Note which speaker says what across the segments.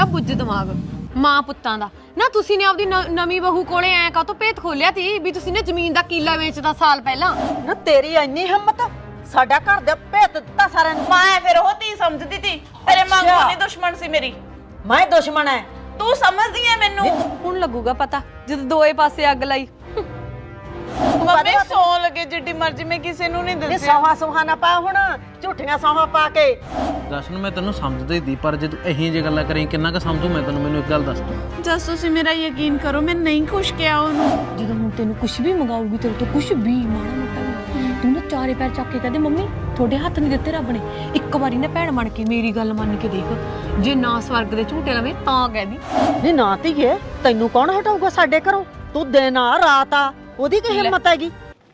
Speaker 1: ਬੁੱਝ ਦਿਮਾਗ ਮਾਂ ਪੁੱਤਾਂ ਦਾ ਨਾ। ਤੁਸੀਂ ਨੇ ਆਪਦੀ ਨਵੀਂ ਬਹੂ ਕੋਲੇ ਐ ਕਾਹਤੋਂ ਭੇਤ ਖੋਲਿਆ ਤੀ ਵੀ ਤੁਸੀਂ ਨੇ ਜ਼ਮੀਨ ਦਾ ਕੀਲਾ ਵੇਚਦਾ ਸਾਲ ਪਹਿਲਾਂ?
Speaker 2: ਨਾ ਤੇਰੀ ਇੰਨੀ ਹਿੰਮਤ, ਸਾਡਾ ਘਰ ਦੇ ਭੇਤ ਦਿੱਤਾ ਸਾਰਿਆਂ ਨੂੰ।
Speaker 3: ਮੈਂ ਫਿਰ ਉਹ ਤੀ ਸਮਝਦੀ ਤੀ, ਤੇਰੇ ਮੰਗੋ ਨਹੀਂ ਦੁਸ਼ਮਣ ਸੀ ਮੇਰੀ।
Speaker 2: ਮੈਂ ਦੁਸ਼ਮਣ ਐ?
Speaker 3: ਤੂੰ ਸਮਝਦੀ ਐ ਮੈਨੂੰ।
Speaker 1: ਹੁਣ ਲੱਗੂਗਾ ਪਤਾ ਜਦੋਂ ਦੋਏ ਪਾਸੇ ਅੱਗ ਲਾਈ।
Speaker 3: ਮੰਮੀ ਸੌ ਲੱਗੇ ਜਿੱਡੀ ਮਰਜ਼ੀ, ਮੈਂ ਕਿਸੇ ਨੂੰ ਨਹੀਂ
Speaker 2: ਨੀ
Speaker 3: ਦੱਸਿਆ।
Speaker 2: ਸੌਹਾ ਨਾ ਪਾ ਹੁਣ, ਝੂਠੀਆਂ ਸੌਹਾਂ ਪਾ ਕੇ।
Speaker 4: ਜਸ਼ਨ ਮੈਂ ਤੈਨੂੰ ਸਮਝਦੀ ਦੀ, ਪਰ ਜੇ ਤੂੰ ਇਹੀ ਜਿਹੀ ਗੱਲਾਂ ਕਰੀ ਕਿੰਨਾ ਕੁ ਸਮਝੂ ਮੈਂ ਤੈਨੂੰ? ਮੈਨੂੰ ਇੱਕ ਗੱਲ ਦੱਸ।
Speaker 3: ਜਸ ਤੁਸੀਂ ਮੇਰਾ ਯਕੀਨ ਕਰੋ, ਮੈਂ ਨਹੀਂ ਖੁਸ਼ ਕਿਹਾ ਉਹਨੂੰ।
Speaker 1: ਜਦੋਂ ਹੁਣ ਤੈਨੂੰ ਕੁਝ ਵੀ ਮੰਗਾਉਗੀ ਤੇਰੇ ਤੋਂ ਕੁਝ ਵੀ ਮਾੜਾ ਮੋਟਾ ਵੀ, ਤੂੰ ਨਾ ਚਾਰੇ ਪੈਰ ਚੱਕ ਕੇ ਕਹਦੇ ਮੰਮੀ ਤੁਹਾਡੇ ਹੱਥ ਨਹੀਂ ਦਿੱਤੇ ਰੱਬ ਨੇ। ਇੱਕ ਵਾਰੀ ਨਾ ਭੈਣ ਬਣ ਕੇ ਮੇਰੀ ਗੱਲ ਮੰਨ ਕੇ ਦੇਖ, ਜੇ ਨਾ ਸਵਰਗ ਦੇ ਝੂਟੇ ਲਵੇਂ ਤਾਂ ਕਹਿਦੀ।
Speaker 2: ਨੀ ਨਾ ਧੀਏ, ਤੈਨੂੰ ਕੌਣ ਹਟਾਊਗਾ ਸਾਡੇ ਘਰੋਂ? ਤੂੰ ਦਿਨ ਆ ਰਾਤ ਆ, ਉਹਦੀ ਕੀ ਹਿੰਮਤ ਹੈਗੀ?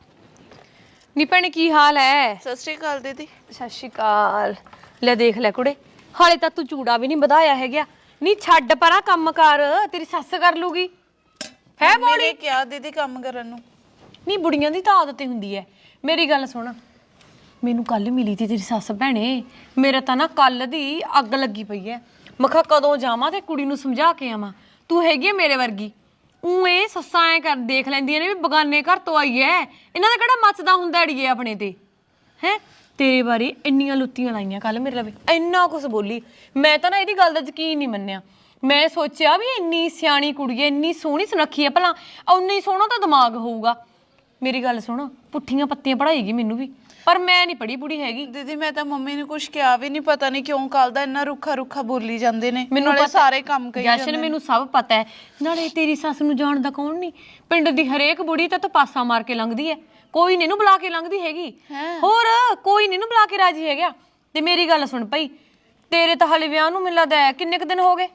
Speaker 1: ਨੀ ਭੈਣੇ ਕੀ ਹਾਲ ਹੈ?
Speaker 3: ਸਤਿ ਸ਼੍ਰੀ ਅਕਾਲ ਦੀਦੀ।
Speaker 1: ਸਤਿ ਸ਼੍ਰੀ ਅਕਾਲ। ਲੈ ਦੇਖ ਲੈ ਕੁੜੇ, ਹਾਲੇ ਤਾਂ ਤੂੰ ਚੂੜਾ ਵੀ ਨਹੀਂ ਵਧਾਇਆ ਹੈਗਾ। ਨੀ ਛੱਡ ਪਰਾਂ ਕੰਮ ਕਰ, ਤੇਰੀ ਸੱਸ ਕਰ ਲੂਗੀ। ਹੈ ਬੋਲੀ
Speaker 3: ਮੈਨੇ ਕਿਹਾ ਦੀਦੀ ਕੰਮ ਕਰਨ ਨੂੰ।
Speaker 1: ਨੀ ਬੁੜੀਆਂ ਦੀ ਤਾਂ ਆਦਤ ਹੀ ਹੁੰਦੀ ਹੈ। ਮੇਰੀ ਗੱਲ ਸੁਣ, ਮੈਨੂੰ ਕੱਲ ਮਿਲੀ ਸੀ ਤੇਰੀ ਸੱਸ ਭੈਣੇ, ਮੇਰਾ ਤਾਂ ਨਾ ਕੱਲ ਦੀ ਅੱਗ ਲੱਗੀ ਪਈ ਐ। ਮੈਂ ਕਿਹਾ ਕਦੋਂ ਜਾਵਾਂ ਤੇ ਕੁੜੀ ਨੂੰ ਸਮਝਾ ਕੇ ਆਵਾਂ। ਤੂੰ ਹੈਗੀ ਐ ਮੇਰੇ ਵਰਗੀ। ਇਹ ਸੱਸਾਂ ਐ ਕਰ ਦੇਖ ਲੈਂਦੀਆਂ ਨੇ ਵੀ ਬਗਾਨੇ ਘਰ ਤੋਂ ਆਈ ਐ, ਇਹਨਾਂ ਦਾ ਕਿਹੜਾ ਮੱਚਦਾ ਹੁੰਦਾ ਅੜੀਏ ਆਪਣੇ ਤੇ। ਹੈ ਤੇਰੇ ਬਾਰੇ ਇੰਨੀਆਂ ਲੁੱਤੀਆਂ ਲਾਈਆਂ ਕੱਲ ਮੇਰੇ ਲਵੇ, ਇੰਨਾ ਕੁਛ ਬੋਲੀ। ਮੈਂ ਤਾਂ ਨਾ ਇਹਦੀ ਗੱਲ ਦਾ ਯਕੀਨ ਨਹੀਂ ਮੰਨਿਆ। ਮੈਂ ਸੋਚਿਆ ਵੀ ਇੰਨੀ ਸਿਆਣੀ ਕੁੜੀ ਐ, ਇੰਨੀ ਸੋਹਣੀ ਸੁਨੱਖੀ ਐ, ਭਲਾ ਉਨਾ ਹੀ ਸੋਹਣਾ ਤਾਂ ਦਿਮਾਗ ਹੋਊਗਾ। ਮੇਰੀ ਗੱਲ ਸੁਣ, ਪੁੱਠੀਆਂ ਪੱਤੀਆਂ ਪੜਾਏਗੀ ਮੈਨੂੰ ਵੀ, ਪਰ ਮੈਂ ਨਹੀਂ ਪੜੀ ਪੁੜੀ ਹੈਗੀ।
Speaker 3: ਦੀਦੀ ਮੈਂ ਤਾਂ ਮੰਮੀ ਨੂੰ ਕੁਝ ਕਿਹਾ ਵੀ ਨਹੀਂ, ਪਤਾ ਨਹੀਂ ਕਿਉਂ ਕੱਲ ਦਾ ਇੰਨਾ ਰੁੱਖਾ ਰੁੱਖਾ ਬੋਲੀ ਜਾਂਦੇ ਨੇ।
Speaker 1: ਮੈਨੂੰ
Speaker 3: ਨਾਲੇ ਸਾਰੇ ਕੰਮ ਕਹੀ ਜਾਂਦੇ
Speaker 1: ਜਸ਼ਨ ਮੈਨੂੰ ਸਭ ਪਤਾ ਹੈ। ਨਾਲੇ ਤੇਰੀ ਸੱਸ ਨੂੰ ਜਾਣਦਾ ਕੌਣ ਨਹੀਂ? ਪਿੰਡ ਦੀ ਹਰੇਕ ਬੁੜੀ ਤਾਂ ਪਾਸਾ ਮਾਰ ਕੇ ਲੰਘਦੀ ਹੈ, ਕੋਈ ਨੀ ਇਹਨੂੰ ਬੁਲਾ ਕੇ ਲੰਘਦੀ ਹੈਗੀ। ਹੋਰ ਕੋਈ ਨੀ ਇਹਨੂੰ ਬੁਲਾ ਕੇ ਰਾਜੀ ਹੈਗਾ। ਤੇ ਮੇਰੀ ਗੱਲ ਸੁਣ ਭਾਈ, ਤੇਰੇ ਤਾਂ ਹਲੇ ਵਿਆਹ ਨੂੰ ਮੈਨੂੰ ਲੱਗਦਾ ਕਿੰਨੇ ਕੁ ਦਿਨ ਹੋ ਗਏ?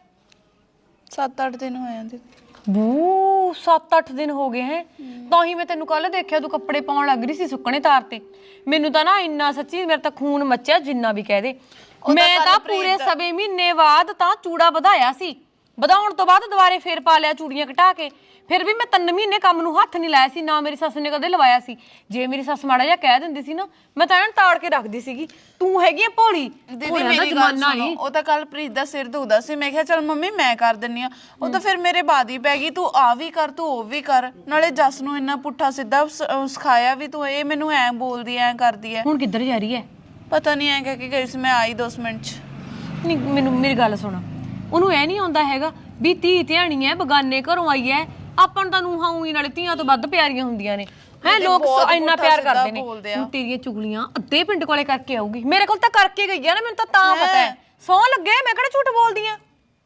Speaker 3: 7-8 ਦਿਨ ਹੋਏ ਜਾਂਦੇ।
Speaker 1: ਬੂ 7-8 ਦਿਨ ਹੋ ਗਏ ਹੈ। ਤਾਂ ਹੀ ਮੈਂ ਤੈਨੂੰ ਕੱਲ ਦੇਖਿਆ ਤੂੰ ਕੱਪੜੇ ਪਾਉਣ ਲੱਗ ਰਹੀ ਸੀ ਸੁੱਕਣੇ ਤਾਰ ਤੇ। ਮੈਨੂੰ ਤਾਂ ਨਾ ਇੰਨਾ ਸੱਚੀ ਮੇਰਾ ਤਾਂ ਖੂਨ ਮੱਚਿਆ ਜਿੰਨਾ ਵੀ ਕਹਿ ਦੇ। ਮੈਂ ਤਾਂ ਪੂਰੇ ਸਵੇ ਮਹੀਨੇ ਬਾਅਦ ਤਾਂ ਚੂੜਾ ਵਧਾਇਆ ਸੀ, ਵਧਾਉਣ ਤੋਂ ਬਾਅਦ ਦੁਬਾਰੇ ਫੇਰ ਪਾ ਲਿਆ ਚੂੜੀਆਂ ਘਟਾ ਕੇ। ਫਿਰ ਵੀ ਮੈਂ 3 ਮਹੀਨੇ ਕੰਮ ਨੂੰ ਹੱਥ ਨਹੀਂ ਲਾਇਆ ਸੀ, ਨਾ ਮੇਰੀ ਸੱਸ ਨੇ ਕਦੇ ਲਵਾਇਆ ਸੀ। ਜੇ ਮੇਰੀ ਸੱਸ ਮਾੜਾ ਜਿਹਾ ਕਹਿ ਦਿੰਦੀ ਸੀ ਨਾ, ਮੈਂ ਤਾਂ ਐਨ ਤਾੜ ਕੇ ਰੱਖਦੀ ਸੀਗੀ। ਤੂੰ ਹੈਗੀ ਆ ਭੋਲੀ।
Speaker 3: ਦੀਦੀ ਮੇਰੀ ਗੱਲ ਸੁਣੋ, ਉਹ ਤਾਂ ਕੱਲ ਪ੍ਰੀਤ ਦਾ ਸਿਰ ਦੁਖਦਾ ਸੀ, ਮੈਂ ਕਿਹਾ ਚੱਲ ਮੰਮੀ ਮੈਂ ਕਰ ਦਿੰਨੀ ਆ। ਉਹ ਤਾਂ ਫਿਰ ਮੇਰੇ ਬਾਦ ਹੀ ਪੈ ਗਈ, ਤੂੰ ਆ ਵੀ ਕਰ ਤੂੰ ਉਹ ਵੀ ਕਰ। ਨਾਲੇ ਜਸ ਨੂੰ ਇੰਨਾ ਪੁੱਠਾ ਸਿੱਧਾ ਸਿਖਾਇਆ ਵੀ, ਤੂੰ ਇਹ ਮੈਨੂੰ ਐ ਬੋਲਦੀ ਐ ਕਰਦੀ ਐ।
Speaker 1: ਹੁਣ ਕਿੱਧਰ ਜਾ ਰਹੀ ਹੈ?
Speaker 3: ਪਤਾ ਨਹੀਂ ਐ ਕਹਿ ਕੇ ਗਈ ਸੀ, ਮੈਂ ਆਈ 2 ਮਿੰਟ ਚ।
Speaker 1: ਨਹੀਂ ਮੈਨੂੰ ਮੇਰੀ ਗੱਲ ਸੁਣ, ਉਹਨੂੰ ਐ ਨਹੀਂ ਆਉਂਦਾ ਹੈਗਾ ਵੀ ਧੀ ਧਿਆਣੀ ਐ, ਬਗਾਨੇ ਘਰੋਂ ਆਈ ਐ। ਆਪਾਂ ਨੂੰ ਤਾਂ ਨੂੰਹਾਂ ਉਹੀ ਨਾਲੇ ਧੀਆਂ ਤੋਂ ਵੱਧ ਪਿਆਰੀਆਂ ਹੁੰਦੀਆਂ ਨੇ। ਹੈ ਲੋਕ ਇੰਨਾ ਪਿਆਰ ਕਰਦੇ ਨੇ। ਹੁਣ ਤੇਰੀਆਂ ਚੁਗਲੀਆਂ ਅੱਧੇ ਪਿੰਡ ਕੋਲੇ ਕਰਕੇ ਆਊਗੀ, ਮੇਰੇ ਕੋਲ ਤਾਂ ਕਰਕੇ ਗਈ ਆ ਨਾ, ਮੈਨੂੰ ਤਾਂ ਪਤਾ ਹੈ। ਸੌ ਲੱਗੇ ਮੈਂ ਕਿਹੜਾ ਝੂਠ ਬੋਲਦੀ ਆ।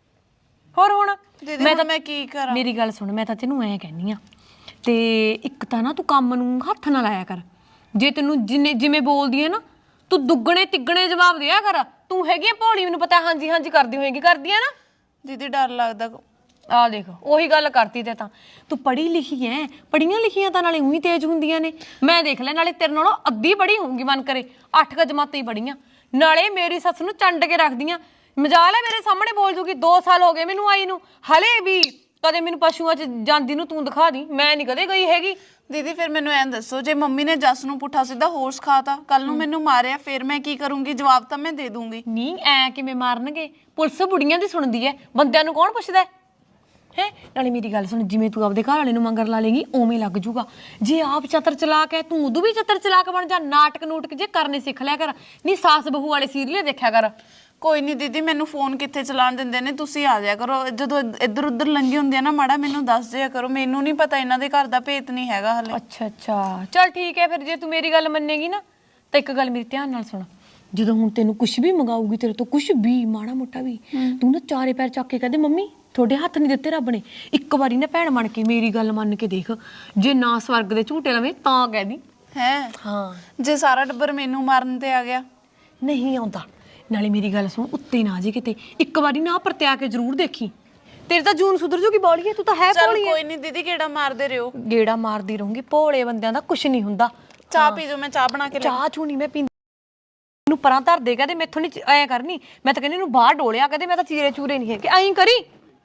Speaker 1: ਹੋਰ ਹੁਣ
Speaker 3: ਮੈਂ ਕੀ ਕਰਾਂ?
Speaker 1: ਮੇਰੀ ਗੱਲ ਸੁਣ, ਮੈਂ ਤਾਂ ਤੈਨੂੰ ਐ ਕਹਿੰਨੀ ਆ, ਤੇ ਇੱਕ ਤਾਂ ਨਾ ਤੂੰ ਕੰਮ ਨੂੰ ਹੱਥ ਨਾ ਲਾਇਆ ਕਰ। ਜੇ ਤੈਨੂੰ ਜਿਵੇਂ ਬੋਲਦੀ ਐ ਨਾ, ਤੂੰ ਦੁੱਗਣੇ ਤਿੱਗਣੇ ਜਵਾਬ ਦਿਆ ਕਰ। ਤੂੰ ਹੈਗੀ ਆ ਭੋਲੀ, ਮੈਨੂੰ ਪਤਾ ਹਾਂਜੀ ਹਾਂਜੀ ਕਰਦੀ ਹੋਏਗੀ, ਕਰਦੀ ਆ ਨਾ।
Speaker 3: ਦੀਦੀ ਡਰ ਲੱਗਦਾ।
Speaker 1: ਆ ਦੇਖ ਉਹੀ ਗੱਲ ਕਰਤੀ ਤੇ ਤਾਂ ਤੂੰ ਪੜ੍ਹੀ ਲਿਖੀ ਐ। ਪੜ੍ਹੀਆਂ ਲਿਖੀਆਂ ਤਾਂ ਨਾਲੇ ਉਹੀ ਤੇਜ਼ ਹੁੰਦੀਆਂ ਨੇ। ਮੈਂ ਦੇਖ ਲੈ, ਨਾਲੇ ਤੇਰੇ ਨਾਲੋਂ ਅੱਧੀ ਪੜ੍ਹੀ ਹੋਊਗੀ ਮਨ ਕਰੇ, 8 ਜਮਾਤਾਂ ਹੀ ਪੜ੍ਹੀਆਂ। ਨਾਲੇ ਮੇਰੀ ਸੱਸ ਨੂੰ ਚੰਡ ਕੇ ਰੱਖਦੀਆਂ। ਮਜਾਲ ਹੈ ਮੇਰੇ ਸਾਹਮਣੇ ਬੋਲ ਜੂਗੀ। 2 ਸਾਲ ਹੋ ਗਏ ਮੈਨੂੰ ਆਈ ਨੂੰ, ਹਲੇ ਵੀ ਕਦੇ ਮੈਨੂੰ ਪਸ਼ੂਆਂ 'ਚ ਜਾਂਦੀ ਨੂੰ ਤੂੰ ਦਿਖਾ ਦੀ, ਮੈਂ ਨਹੀਂ ਕਦੇ ਗਈ ਹੈਗੀ।
Speaker 3: ਦੀਦੀ ਫਿਰ ਮੈਨੂੰ ਐਂ ਦੱਸੋ, ਜੇ ਮੰਮੀ ਨੇ ਜਸ ਨੂੰ ਪੁੱਠਾ ਸਿੱਧਾ ਹੋਰ ਸਿਖਾਤਾ, ਕੱਲ ਨੂੰ ਮੈਨੂੰ ਮਾਰਿਆ, ਫਿਰ ਮੈਂ ਕੀ ਕਰੂੰਗੀ? ਜਵਾਬ ਤਾਂ ਮੈਂ ਦੇ ਦੂੰਗੀ।
Speaker 1: ਨਹੀਂ ਐ ਕਿਵੇਂ ਮਾਰਨਗੇ? ਪੁਲਿਸ ਬੁੜੀਆਂ ਦੀ ਸੁਣਦੀ ਐ, ਬੰਦਿਆਂ ਨੂੰ ਕੌਣ ਪੁੱਛਦਾ ਹੈ? ਨਾਲੇ ਮੇਰੀ ਗੱਲ ਸੁਣ, ਜਿਵੇਂ ਤੂੰ ਆਪਦੇ ਘਰ ਵਾਲੇ ਨੂੰ ਮੰਗਰ ਲਾ ਲੇਗੀ ਉਵੇਂ ਲੱਗ ਜੂਗਾ। ਜੇ ਆਪ ਚਤਰ ਚਲਾਕ ਹੈ, ਤੂੰ ਉਦੋਂ ਵੀ ਚਤਰ ਚਲਾਕ ਬਣ ਜਾ। ਨਾਟਕ ਨੂਟਕ ਜੇ ਕਰਨੇ ਸਿੱਖ ਲਿਆ ਕਰ। ਨਹੀਂ ਸਾਸ ਬਹੂ ਵਾਲੇ ਸੀਰੀਅਲ ਦੇਖਿਆ ਕਰ।
Speaker 3: ਕੋਈ ਨਹੀਂ ਦੀਦੀ, ਮੈਨੂੰ ਫੋਨ ਕਿੱਥੇ ਚਲਾਉਣ ਦਿੰਦੇ ਨੇ, ਤੁਸੀਂ ਆ ਜਾਇਆ ਕਰੋ। ਜਦੋਂ ਇੱਧਰ ਉੱਧਰ ਲੰਗੀ ਹੁੰਦੀ ਆ ਨਾ, ਮਾੜਾ ਮੈਨੂੰ ਦੱਸ ਦਿਆ ਕਰੋ। ਮੈਨੂੰ ਨਹੀਂ ਪਤਾ, ਇਹਨਾਂ ਦੇ ਘਰ ਦਾ ਭੇਤ ਨਹੀਂ ਹੈਗਾ ਹਲੇ।
Speaker 1: ਅੱਛਾ ਅੱਛਾ ਚੱਲ ਠੀਕ ਹੈ ਫਿਰ। ਜੇ ਤੂੰ ਮੇਰੀ ਗੱਲ ਮੰਨੇਗੀ ਨਾ, ਤਾਂ ਇੱਕ ਗੱਲ ਮੇਰੀ ਧਿਆਨ ਨਾਲ ਸੁਣ। ਜਦੋਂ ਹੁਣ ਤੈਨੂੰ ਕੁਛ ਵੀ ਮੰਗਾਊਗੀ ਤੇਰੇ ਤੋਂ, ਕੁਛ ਵੀ ਮਾੜਾ ਮੋਟਾ ਵੀ, ਤੂੰ ਨਾ ਚਾਰੇ ਪੈਰ ਚੱਕ ਕੇ ਕਹਦੇ ਮੰਮੀ ਤੁਹਾਡੇ ਹੱਥ ਨਹੀਂ ਦਿੱਤੇ ਰੱਬ ਨੇ। ਇੱਕ ਵਾਰੀ ਨਾ ਭੈਣ ਬਣ ਕੇ ਮੇਰੀ ਗੱਲ ਮੰਨ ਕੇ ਦੇਖ, ਜੇ ਨਾ ਸਵਰਗ ਦੇ ਝੂਟੇ ਲਵੇਂ ਤਾਂ ਕਹਿਦੀ।
Speaker 3: ਹੈ
Speaker 1: ਹਾਂ
Speaker 3: ਜੇ ਸਾਰਾ ਟੱਬਰ ਮੈਨੂੰ ਮਾਰਨ ਤੇ ਆ ਗਿਆ?
Speaker 1: ਨਹੀਂ ਆਉਂਦਾ। ਨਾਲੇ ਮੇਰੀ ਗੱਲ ਸੁਣ, ਉੱਤੇ ਨਾ ਜੇ ਕਿਤੇ, ਇੱਕ ਵਾਰੀ ਨਾ ਪਰਤਿਆ ਕੇ ਜ਼ਰੂਰ ਦੇਖੀ। ਤੇਰੇ ਤਾਂ ਜੂਨ ਸੁਧਰ ਜੂਗੀ। ਬੋਲੀਏ ਤੂੰ ਤਾਂ ਹੈ ਭੋਲੀ।
Speaker 3: ਕੋਈ ਨਹੀਂ ਦੀਦੀ, ਗੇੜਾ ਮਾਰਦੇ ਰਹੋ।
Speaker 1: ਗੇੜਾ ਮਾਰਦੀ ਰਹੂੰਗੀ। ਭੋਲੇ ਬੰਦਿਆਂ ਦਾ ਕੁਛ ਨਹੀਂ ਹੁੰਦਾ।
Speaker 3: ਚਾਹ ਪੀ ਜਾਓ, ਮੈਂ ਚਾਹ ਬਣਾ ਕੇ
Speaker 1: ਚਾਹ ਚੂ ਨਹੀਂ ਮੈਂ ਪੀਂਦੀ। ਨੂੰ ਪਰਾਂ ਧਰ ਦੇ ਕਹਦੇ ਮੈਥੋਂ ਨਹੀਂ ਐਂ ਕਰਨੀ। ਮੈਂ ਤਾਂ ਕਹਿੰਦੀ ਇਹਨੂੰ ਬਾਹਰ ਡੋਲਿਆ, ਕਹਦੇ ਮੈਂ ਤਾਂ ਚੀਰੇ ਚੂਰੇ ਨਹੀਂ ਹੈਗੇ, ਐਂ ਕਰੀ।